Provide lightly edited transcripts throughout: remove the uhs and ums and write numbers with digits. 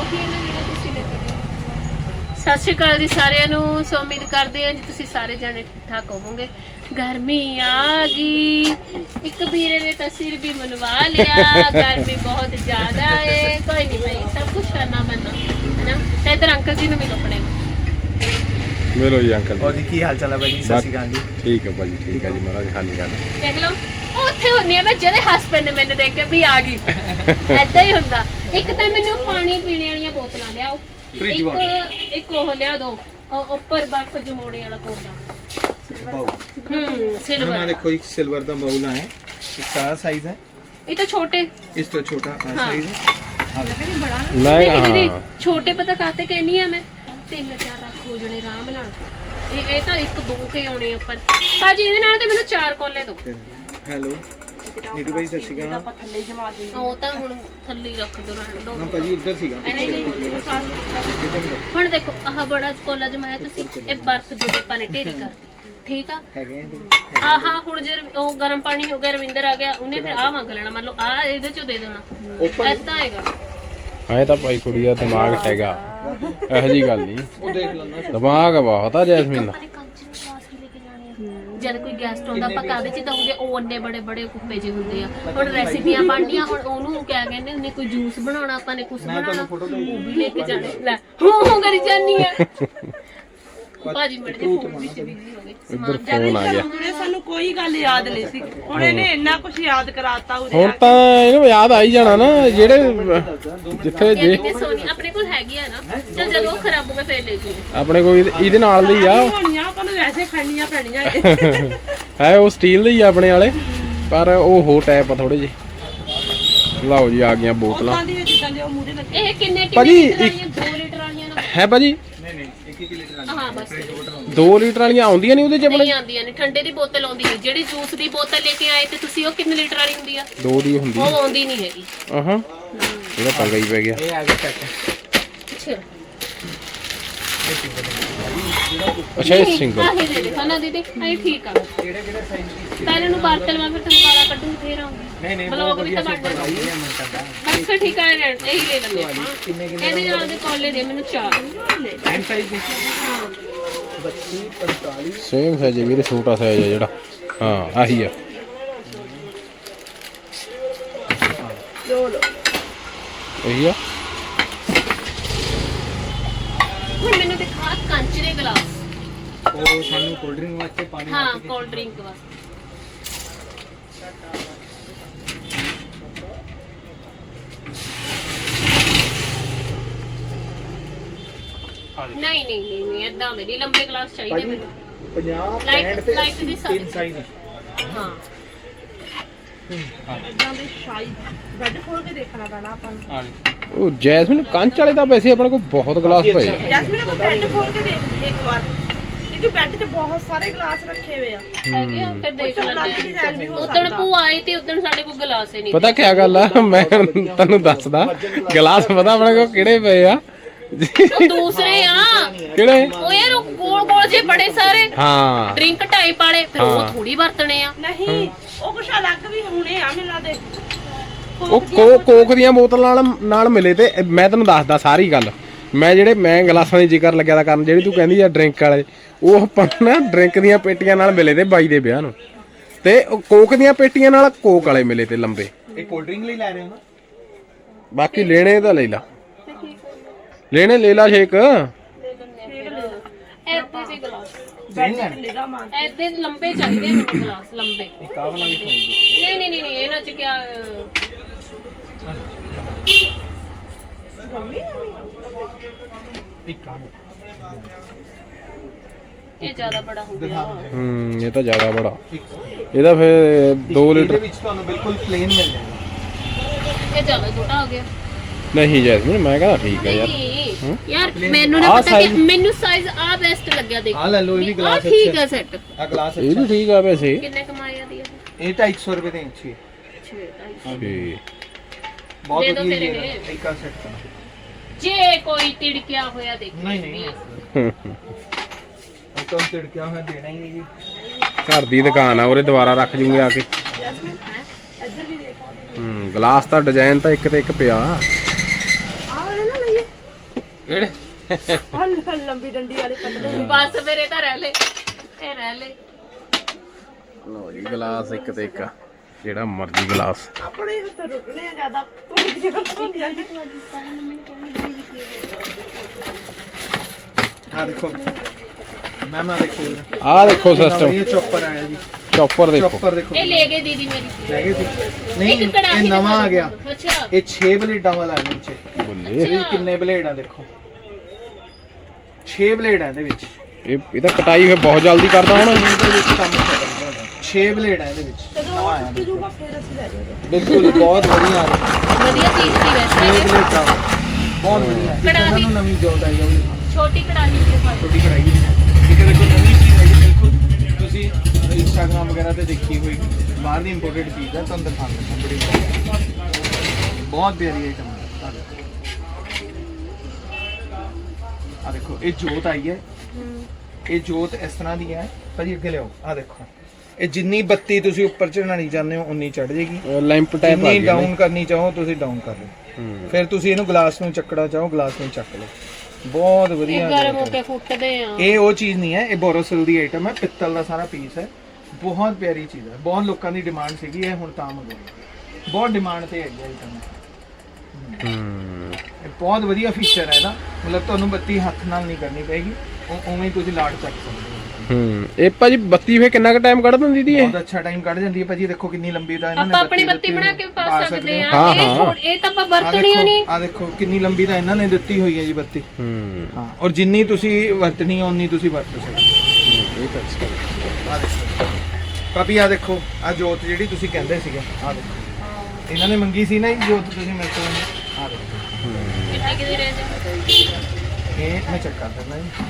ਸਤਿ ਸ਼੍ਰੀ ਅਕਾਲ ਜੀ ਸਾਰਿਆਂ ਨੂੰ। ਸੋ ਉਮੀਦ ਕਰਦੇ ਹਾਂ ਜੀ ਤੁਸੀਂ ਸਾਰੇ ਜਾਣੇ ਠੀਕ ਠਾਕ ਹੋਵੋਗੇ। ਗਰਮੀ ਆ ਗਈ, ਇੱਕ ਵੀਰੇ ਨੇ ਤਾਂ ਸਿਰ ਵੀ ਮਨਵਾ ਲਿਆ। ਗਰਮੀ ਬਹੁਤ ਜ਼ਿਆਦਾ ਹੈ। ਕੋਈ ਨਹੀਂ ਭਾਈ, ਸਭ ਕੁਝ ਕਰਨਾ ਪੈਂਦਾ ਹੈ ਨਾ। ਤੇ ਇਧਰ ਅੰਕਲ ਜੀ ਨੂੰ ਵੀ ਕੱਪੜੇ ਮਿਲੋ ਜੀ ਅੰਕਲ और जी की हाल चाल है भाई? सत श्री अकाल जी। ठीक है भाजी, ठीक है जी महाराज। खाली कर ਦੇਖ ਲਓ, ਉੱਥੇ ਹੁੰਨੀ ਆ ਮੈਂ ਜਿਹੜੇ ਹਸਬੈਂਡ ਨੇ ਮੈਨੂੰ ਦੇਖ ਕੇ ਵੀ ਆ ਗਈ। ਐਦਾਂ ਹੀ ਹੁੰਦਾ। ਇੱਕ ਤਾਂ ਮੈਨੂੰ ਪਾਣੀ ਪੀਣੇ ਵਾਲੀਆਂ ਬੋਤਲਾਂ ਲਿਆਓ, ਇੱਕ ਉਹ ਲਿਆ ਦੋ ਉੱਪਰ ਬਰਫ ਜਮਾਉਣੇ ਵਾਲਾ ਕੋਲਾ। सिल्वर देखो एक सिल्वर का बाउल है, इसका साइज है, ये तो छोटे, इस तो छोटा साइज है। नहीं छोटे पता कहते कहनी है मैं 3-4 रख हो जने आराम नाल। ਇਹ ਤਾਂ ਇੱਕ ਦੋ ਕੇ ਆਉਣੇ ਉੱਪਰ ਭਾਜੀ। ਇਹਦੇ ਨਾਲ ਤੇ ਮੈਨੂੰ 4 ਕੋਲੇ ਦੋ। हेलो नीतू भाई सत श्री अकाल। ਥੱਲੇ ਜਮਾ ਦੇ। ਉਹ ਤਾਂ ਹੁਣ ਥੱਲੇ ਰੱਖ ਦੋ ਨਾ। ना भाजी उधर सीगा। ਹੁਣ ਦੇਖੋ ਆਹ ਬੜਾ ਕੋਲਾ ਜਮਾਇਆ ਤੁਸੀਂ, ਇਹ ਬਰਫ ਦੇ ਆਪਾਂ ਨੇ ਢੇਰੀ ਕਰ ਠੀਕ ਆ। ਆਹਾ ਹੁਣ ਜੇ ਉਹ ਗਰਮ ਪਾਣੀ ਹੋ ਗਿਆ, ਰਵਿੰਦਰ ਆ ਗਿਆ, ਉਹਨੇ ਫਿਰ ਆਹ ਮੰਗ ਲੈਣਾ। ਮੰਨ ਲਓ ਆਹ ਇਹਦੇ ਚੋਂ ਦੇ ਦੇਣਾ, ਏਦਾਂ ਹੈਗਾ। ਆਏ ਤਾਂ ਭਾਈ ਕੁੜੀ ਦਾ ਦਿਮਾਗ ਹੈਗਾ, ਇਹੋ ਜੀ ਗੱਲ ਨਹੀਂ। वो देख लेना। ਦਿਮਾਗ ਬਹੁਤ ਆ ਜੈਸਮੀਨ ਦਾ। ਜਦ ਕੋਈ ਗੈਸਟ ਆਉਂਦਾ ਆਪਾਂ ਕਾਹਦੇ ਚ ਦਊਂਗੇ? ਉਹ ਅੰਨੇ ਬੜੇ ਬੜੇ ਕੁੱਪੇ ਜਿਹੇ ਹੁੰਦੇ ਆ। ਹੁਣ ਰੈਸਿਪੀਆਂ ਬਣਦੀਆਂ, ਹੁਣ ਉਹਨੂੰ ਕਿਆ ਕਹਿੰਦੇ ਹੁੰਦੇ, ਕੋਈ ਜੂਸ ਬਣਾਉਣਾ, ਆਪਾਂ ਨੇ ਕੁਝ ਬਣਾਉਣਾ, ਉਹ ਵੀ ਲੈ ਕੇ ਜਾਣੇ। ਲੈ ਹੂੰ ਕਰੀ ਜਾਨੀ ਆ ਭਾਜੀ। ਮੜ ਦੇ ਫੋਨ ਵਿੱਚ ਬਿਜ਼ੀ ਹੋ ਗਏ। ਇੱਧਰ ਫੋਨ ਆ ਗਿਆ। ਸਾਨੂੰ ਕੋਈ ਗੱਲ ਯਾਦ ਨਹੀਂ ਸੀ, ਹੁਣ ਇਹਨੇ ਇੰਨਾ ਕੁਝ ਯਾਦ ਕਰਾਤਾ। ਹੁਣ ਤਾਂ ਇਹਨੂੰ ਯਾਦ ਆਈ ਜਾਣਾ ਨਾ, ਜਿਹੜੇ ਜਿੱਥੇ ਜੇ ਤੇ ਸੋਨੀ ਆਪਣੇ ਕੋਲ ਹੈਗੀ ਆ ਨਾ। ਚਲ ਜਦੋਂ ਉਹ ਖਰਾਬ ਹੋ ਗਿਆ ਫੇਰ ਲੈ ਜੂ। ਆਪਣੇ ਕੋਈ ਇਹਦੇ ਨਾਲ ਦੀ ਆ ਹੋਣੀਆਂ ਆਪਾਂ ਨੂੰ ਵੈਸੇ ਖੜਨੀਆਂ ਪੈਣੀਆਂ ਹੈ, ਉਹ ਸਟੀਲ ਦੇ ਹੀ ਆ ਆਪਣੇ ਵਾਲੇ, ਪਰ ਉਹ ਹੋ ਟੈਪ ਆ ਥੋੜੇ ਜਿਹੇ। ਲਓ ਜੀ ਆ ਗਈਆਂ ਬੋਤਲਾਂ। ਉਦਾਂ ਦੀ ਜਿੱਦਾਂ ਦੇ ਉਹ ਮੂਹਰੇ ਲੱਗੇ। ਇਹ ਕਿੰਨੇ ਭਾਜੀ, ਲੀਟਰ ਵਾਲੀਆਂ? 2 ਲੀਟਰ ਵਾਲੀਆਂ ਨਾ? ਹੈ ਭਾਜੀ नहीं नहीं 1 लीटर ਹਾਂ ਬਸ 2 ਲੀਟਰ ਵਾਲੀਆਂ ਆਉਂਦੀਆਂ ਨਹੀਂ ਉਹਦੇ ਚ ਆਪਣੇ? ਨਹੀਂ ਆਉਂਦੀਆਂ ਨੇ। ਠੰਡੇ ਦੀ ਬੋਤਲ ਆਉਂਦੀ ਹੈ। ਜਿਹੜੀ ਜੂਸ ਦੀ ਬੋਤਲ ਲੈ ਕੇ ਆਏ ਤੇ ਤੁਸੀਂ, ਉਹ ਕਿੰਨੇ ਲੀਟਰ ਵਾਲੀ ਹੁੰਦੀ ਆ? 2 ਦੀ ਹੁੰਦੀ। ਉਹ ਆਉਂਦੀ ਨਹੀਂ ਹੈਗੀ। ਆਹਾਂ ਇਹਦਾ ਪੰਗਾ ਹੀ ਪੈ ਗਿਆ। ये आगे सेट ਅੱਛਾ ਅੱਛਾ ਇਹ ਸਿੰਗਲ। ਆਹੀ ਦੇ ਦੇ ਖਾਣਾ ਦੀਦੀ, ਇਹ ਠੀਕ ਆ। केड़े केड़े साइज? ਪਹਿਲੇ ਨੂੰ ਬਾਤਲ ਮੈਂ ਫਿਰ ਤੁਹਾਨੂੰ ਗਾਲਾਂ ਕੱਢੂ ਫੇਰ ਆਉਂਗੀ। नहीं नहीं ਬਲੌਗ ਵੀ ਤਾਂ ਬਣ ਜਾਣਾ। ये मन करता ਬਸ ਫਿਰ ਠੀਕ ਆ, ਇਹੀ ਲੈ ਲੈਂਦੇ ਆਪਾਂ। ਇਹਦੇ ਨਾਲ ਦੇ ਕੋਲੇ ਦੇ ਮੈਨੂੰ 4 एम साइज में 32 45 ਸੇਮ ਸਾਈਜ਼ ਵੀਰੇ, ਛੋਟਾ ਸਾਈਜ਼ ਹੈ ਜਿਹੜਾ। ਹਾਂ ਆਹੀ ਆ। ਇਹੀ ਆ। ਹੁਣ ਮੈਨੂੰ ਦਿਖਾ ਕੰਚ ਦੇ ਗਲਾਸ। और सानू कोल्ड ड्रिंक वास्ते पानी ਹਾਂ ਕੋਲਡ ਡਰਿੰਕ ਵਾਸਤੇ। ਨਹੀਂ ਨਹੀਂ ਨਹੀਂ ਨਹੀਂ ਏਦਾਂ ਦੇ ਨਹੀਂ, ਲੰਬੇ ਗਲਾਸ ਚਾਹੀਦੇ ਮੈਨੂੰ। 50 ਲਾਈਟ 65 ਲਾਈਟ ਦੀ ਸਾਈਜ਼। 3 साइज ਹਾਂ ਇਦਾਂ ਦੇ ਸ਼ਾਈ ਬੈੱਡ ਖੋਲ ਕੇ ਦੇਖਣਾ ਪੈਣਾ ਆਪਾਂ ਨੂੰ। हां ਉਹ ਜੈਸਮੀਨ ਕੰਚ ਵਾਲੇ ਤਾਂ ਵੈਸੇ ਆਪਣੇ ਕੋਲ ਬਹੁਤ ਗਲਾਸ ਪਏ ਆ। ਜੈਸਮੀਨ ਆਪਾਂ ਬੈੱਡ ਖੋਲ ਕੇ ਦੇਖ ਇੱਕ ਵਾਰ, ਕਿਉਂਕਿ ਬੈੱਡ 'ਚ ਬਹੁਤ ਸਾਰੇ ਗਲਾਸ ਰੱਖੇ ਹੋਏ ਆ। ਹੈਗੇ ਆ, ਫਿਰ ਦੇਖ ਲੱਗ ਲੈਂਦੇ ਡਿਜ਼ਾਈਨ ਵੀ ਹੋ ਉਦੋਂ ਭੂਆ ਆਈ ਤੇ ਉਦੋਂ ਸਾਡੇ ਕੋਲ ਗਲਾਸ ਹੀ ਨਹੀਂ। ਪਤਾ ਕੀ ਗੱਲ ਆ, ਮੈਂ ਤੈਨੂੰ ਦੱਸਦਾ ਗਲਾਸ ਪਤਾ ਆਪਣੇ ਕੋਲ ਕਿਹੜੇ ਪਏ ਆ। ਉਹ ਦੂਸਰੇ ਆ ਕਿਹੜੇ? ਉਹ ਯਾਰ ਉਹ ਗੋਲ ਗੋਲ ਜੇ ਬੜੇ ਸਾਰੇ ਹਾਂ ਡਰਿੰਕ ਟਾਈਪ ਵਾਲੇ, ਫਿਰ ਹਾਂ। ਉਹ ਥੋੜੀ ਵਰਤਣੇ ਆ। ਨਹੀਂ ਉਹ ਕੁਛ ਅਲੱਗ ਵੀ ਹੋਣੇ ਆ ਮਿਲਾਂ ਦੇ। ਉਹ ਕੋਕ ਦੀਆਂ ਬੋਤਲਾਂ ਨਾਲ ਮਿਲੇ। ਤੇ ਮੈਂ ਤੈਨੂੰ ਦੱਸਦਾ ਸਾਰੀ ਗੱਲ। ਮੈਂ ਗਲਾਸਾਂ ਦੀ ਜ਼ਿਕਰ ਲੱਗਿਆ ਤਾਂ ਕਰਨ, ਜਿਹੜੀ ਤੂੰ ਕਹਿੰਦੀ ਆ ਡਰਿੰਕ ਵਾਲੇ, ਉਹ ਆਪਾਂ ਨਾ ਡਰਿੰਕ ਦੀਆਂ ਪੇਟੀਆਂ ਨਾਲ ਮਿਲੇ ਤੇ ਬਾਈ ਦੇ ਵਿਆਹ ਨੂੰ। ਤੇ ਉਹ ਕੋਕ ਦੀਆਂ ਪੇਟੀਆਂ ਨਾਲ ਕੋਕ ਵਾਲੇ ਮਿਲੇ ਤੇ ਲੰਬੇ। एक कोल्ड ड्रिंक ले ला रहे हो ना? ਬਾਕੀ ਲੈਣੇ ਤਾਂ ਲੈ ਲਾ, ਲੈਣੇ ਲੈ ਲਾ ਸ਼ੇਕ। ਐਦੇ ਦੇ ਗਲਾਸ, ਨਿਗਾ ਮਾਰ ਐਦੇ ਲੰਬੇ ਚਾਹੀਦੇ ਮੈਨੂੰ ਗਲਾਸ, ਲੰਬੇ। एक वाला भी खाएंगे। ਨਹੀਂ ਨਹੀਂ ਨਹੀਂ ਇਹਨਾਂ ਚ ਕਿਆ एक काम ਇਹ ਜ਼ਿਆਦਾ ਬੜਾ ਹੋ ਗਿਆ। ਇਹ ਤਾਂ ਜ਼ਿਆਦਾ ਬੜਾ। ਇਹਦਾ ਫਿਰ 2 ਲੀਟਰ ਇਹਦੇ ਵਿੱਚ ਤੁਹਾਨੂੰ ਬਿਲਕੁਲ ਪਲੇਨ ਮਿਲ ਜਾਏਗਾ। ਇਹ ਜ਼ਿਆਦਾ ਛੋਟਾ ਹੋ ਗਿਆ। ਨਹੀਂ ਜੈਸਮੀਨ, ਮੈਂ ਕਹਿੰਦਾ ਠੀਕ ਹੈ ਯਾਰ। ਨਹੀਂ ਯਾਰ ਮੈਨੂੰ ਨਾ ਆਹ ਪਤਾ ਕਿ size- ਮੈਨੂੰ ਸਾਈਜ਼ ਆ ਬੈਸਟ ਲੱਗਿਆ। ਦੇਖ ਆ ਲੈ ਲਓ, ਇਹ ਵੀ ਗਲਾਸ ਠੀਕ ਅੱਛਾ ਹੈ ਸੈੱਟ। ਆ ਗਲਾਸ ਇਹ ਅੱਛਾ ਵੀ ਠੀਕ ਆ ਵੈਸੇ। ਕਿੰਨੇ ਕਮਾਏ ਆ ਦੀ ਇਹ 250 ਰੁਪਏ ਦੇ ਅੱਛੀ ਹੈ। ਬਹੁਤ ਦੇ ਦਿਓ ਵਧੀਆ ਤੇਰੇ ਹੈ। ਨੇ। ਇੱਕ ਆ ਸੈੱਟ ਕਰਨਾ। ਜੇ ਕੋਈ ਤਿੜਕਿਆ ਹੋਇਆ ਦੇਖ ਨਹੀਂ ਨਹੀਂ ਇੱਕ ਤਾਂ ਤਿੜਕਿਆ ਹੋਇਆ ਦੇਣਾ ਹੀ ਨਹੀਂ ਜੀ। ਘਰ ਦੀ ਦੁਕਾਨ ਆ, ਉਹਦੇ ਦੁਬਾਰਾ ਰੱਖ ਜੂਗੇ ਆ ਕੇ। ਗਲਾਸ ਤਾਂ ਡਿਜ਼ਾਈਨ ਤਾਂ ਇੱਕ ਤੇ ਇੱਕ ਪਿਆ। ਆਹ ਵਾਲੇ ਨਾ ਲਈਏ। ਕਿਹੜੇ ਹਲ ਲੰਬੀ ਡੰਡੀ ਵਾਲੇ ਕੱਟਦੇ ਬਸ ਮੇਰੇ ਤਾਂ ਰਹਿ ਲੈ ਇਹ ਰਹਿ ਲੈ ਲੋ ਜੀ ਗਲਾਸ ਇੱਕ ਤੇ ਇੱਕ ਜਿਹੜਾ ਮਰਜ਼ੀ ਗਲਾਸ ਆਪਣੇ ਹੱਥ ਰੁਕਨੇ ਆ ਜ਼ਿਆਦਾ ਤੁਹਾਡੀ ਜਗ੍ਹਾ ਤੋਂ ਜਾਂਦੀ हाँ देखो मैम आ देखो ਆਹ ਦੇਖੋ ਸਿਸਟਮ ये चॉपर आया जी ਚੌਪਰ ਦੇਖੋ चॉपर देखो ਇਹ ਲੈ ਗਏ ਦੀਦੀ ਮੇਰੀ ले गए थे नहीं ਇੱਕ ਕੜਾਹੀ ये नवा आ गया ਅੱਛਾ ये 6 ब्लेडां वाला है नीचे ਬੱਲੇ ये कितने ब्लेड आ देखो 6 ब्लेड है ਇਹਦੇ ਵਿੱਚ ਇਹ ਤਾਂ ਕਟਾਈ ਫਿਰ ਬਹੁਤ ਜਲਦੀ ਕਰਦਾ ਹੁਣ ਇਹਦੇ ਵਿੱਚ ਕੰਮ ਖਤਮ ਹੋ ਗਿਆ 6 ब्लेड है ਇਹਦੇ ਵਿੱਚ ਜਦੋਂ ਉਹ ਜੂਗਾ ਫਿਰ ਅਸੀਂ ਲੈ ਜਾਵਾਂਗੇ ਬਿਲਕੁਲ ਬਹੁਤ ਵਧੀਆ ਆ ਵਧੀਆ ਚੀਜ਼ ਦੀ ਵੈਸੇ 6 ब्लेड ਦਾ ਬਹੁਤ ਵਧੀਆ ਹੈ ਕੜਾਹੀ। ਸਾਨੂੰ ਨਵੀਂ ਜੋਤ ਆਈ ਹੈ ਛੋਟੀ ਕੜਾਹੀ ਦੇ ਪਾਈ ਛੋਟੀ ਕੜਾਈ ਠੀਕ ਹੈ ਦੇਖੋ ਨਵੀਂ ਚੀਜ਼ ਹੈ ਬਿਲਕੁਲ ਤੁਸੀਂ ਇੰਸਟਾਗ੍ਰਾਮ ਵਗੈਰਾ ਤੇ ਦੇਖੀ ਹੋਈ ਬਾਹਰ ਦੀ ਇੰਪੋਰਟਡ ਚੀਜ਼ ਹੈ ਤੁਹਾਨੂੰ ਦਿਖਾਉਂਦਾ ਬੜੀ ਬਹੁਤ ਪਿਆਰੀ ਆਈਟਮ ਹੈ ਆ ਦੇਖੋ ਇਹ ਜੋਤ ਆਈ ਹੈ ਇਹ ਜੋਤ ਇਸ ਤਰ੍ਹਾਂ ਦੀ ਹੈ ਭਾਜੀ ਅੱਗੇ ਲਿਆਓ ਆ ਦੇਖੋ ਇਹ ਜਿੰਨੀ ਬੱਤੀ ਤੁਸੀਂ ਉੱਪਰ ਚੜਾਣੀ ਚਾਹੁੰਦੇ ਹੋ ਉਨੀ ਚੜ ਜਾਏਗੀ ਲੈਂਪ ਟਾਈਪ ਆ ਜਿੰਨੀ ਗਿਆ ਡਾਊਨ ਕਰਨੀ ਚਾਹੋ ਤੁਸੀਂ ਡਾਊਨ ਕਰ ਲਓ ਫਿਰ ਤੁਸੀਂ ਇਹਨੂੰ ਗਲਾਸ ਨੂੰ ਚੱਕਣਾ ਚਾਹੋ ਗਲਾਸ ਨੂੰ ਚੱਕ ਲਓ ਬਹੁਤ ਵਧੀਆ ਗਰਮ ਹੋ ਕੇ ਫੁੱਟਦੇ ਆ ਇਹ ਉਹ ਚੀਜ਼ ਨਹੀਂ ਹੈ ਇਹ ਬੋਰੋਸਿਲ ਦੀ ਆਈਟਮ ਹੈ ਪਿੱਤਲ ਦਾ ਸਾਰਾ ਪੀਸ ਹੈ ਬਹੁਤ ਪਿਆਰੀ ਚੀਜ਼ ਹੈ ਬਹੁਤ ਲੋਕਾਂ ਦੀ ਡਿਮਾਂਡ ਸੀਗੀ ਇਹ ਹੁਣ ਤਾਂ ਮੰਗਵਾਈ ਬਹੁਤ ਡਿਮਾਂਡ ਤੇ ਹੈਗੀ ਆਈਟਮ ਇਹ ਬਹੁਤ ਵਧੀਆ ਫੀਚਰ ਹੈ ਇਹਦਾ ਮਤਲਬ ਤੁਹਾਨੂੰ ਬੱਤੀ ਹੱਥ ਨਾਲ ਨਹੀਂ ਕਰਨੀ ਪਏਗੀ ਉਵੇਂ ਹੀ ਤੁਸੀਂ ਲਾਟ ਚੱਕ ਸਕਦੇ ਹੋ ਇਹ ਭਾਜੀ ਬੱਤੀ ਫੇ ਕਿੰਨਾ ਕੁ ਟਾਈਮ ਕੱਢ ਦਿੰਦੀ ਦੀ ਇਹ ਬਹੁਤ ਅੱਛਾ ਟਾਈਮ ਕੱਢ ਜਾਂਦੀ ਹੈ ਭਾਜੀ ਦੇਖੋ ਕਿੰਨੀ ਲੰਬੀ ਦਾ ਇਹਨਾਂ ਨੇ ਆਪਾਂ ਆਪਣੀ ਬੱਤੀ ਬਣਾ ਕੇ ਪਾ ਸਕਦੇ ਆ ਹਾਂ, ਇਹ ਹਾਂ। ਇਹ ਤਾਂ ਆਪਾਂ ਵਰਤਣੀ ਓ ਨਹੀਂ ਆ ਦੇਖੋ ਕਿੰਨੀ ਲੰਬੀ ਦਾ ਇਹਨਾਂ ਨੇ ਦਿੱਤੀ ਹੋਈ ਹੈ ਜੀ ਬੱਤੀ ਹਾਂ ਔਰ ਜਿੰਨੀ ਤੁਸੀਂ ਵਰਤਣੀ ਹੈ ਉਨੀ ਤੁਸੀਂ ਵਰਤ ਸਕਦੇ ਹੋ ਇਹ ਤਾਂ ਅੱਛਾ ਆ ਦੇਖੋ ਭਾਬੀ ਆ ਦੇਖੋ ਆ ਜੋਤ ਜਿਹੜੀ ਤੁਸੀਂ ਕਹਿੰਦੇ ਸੀਗੇ ਆ ਦੇਖੋ ਇਹਨਾਂ ਨੇ ਮੰਗੀ ਸੀ ਨਾ ਇਹ ਜੋਤ ਤੁਸੀਂ ਮੇਰੇ ਤੋਂ ਆ ਦੇਖੋ ਕਿੰਨੇ ਕਿਦੇ ਰਹਿ ਇਹ ਮੈਂ ਚੈੱਕ ਕਰ ਦਿੰਦਾ ਜੀ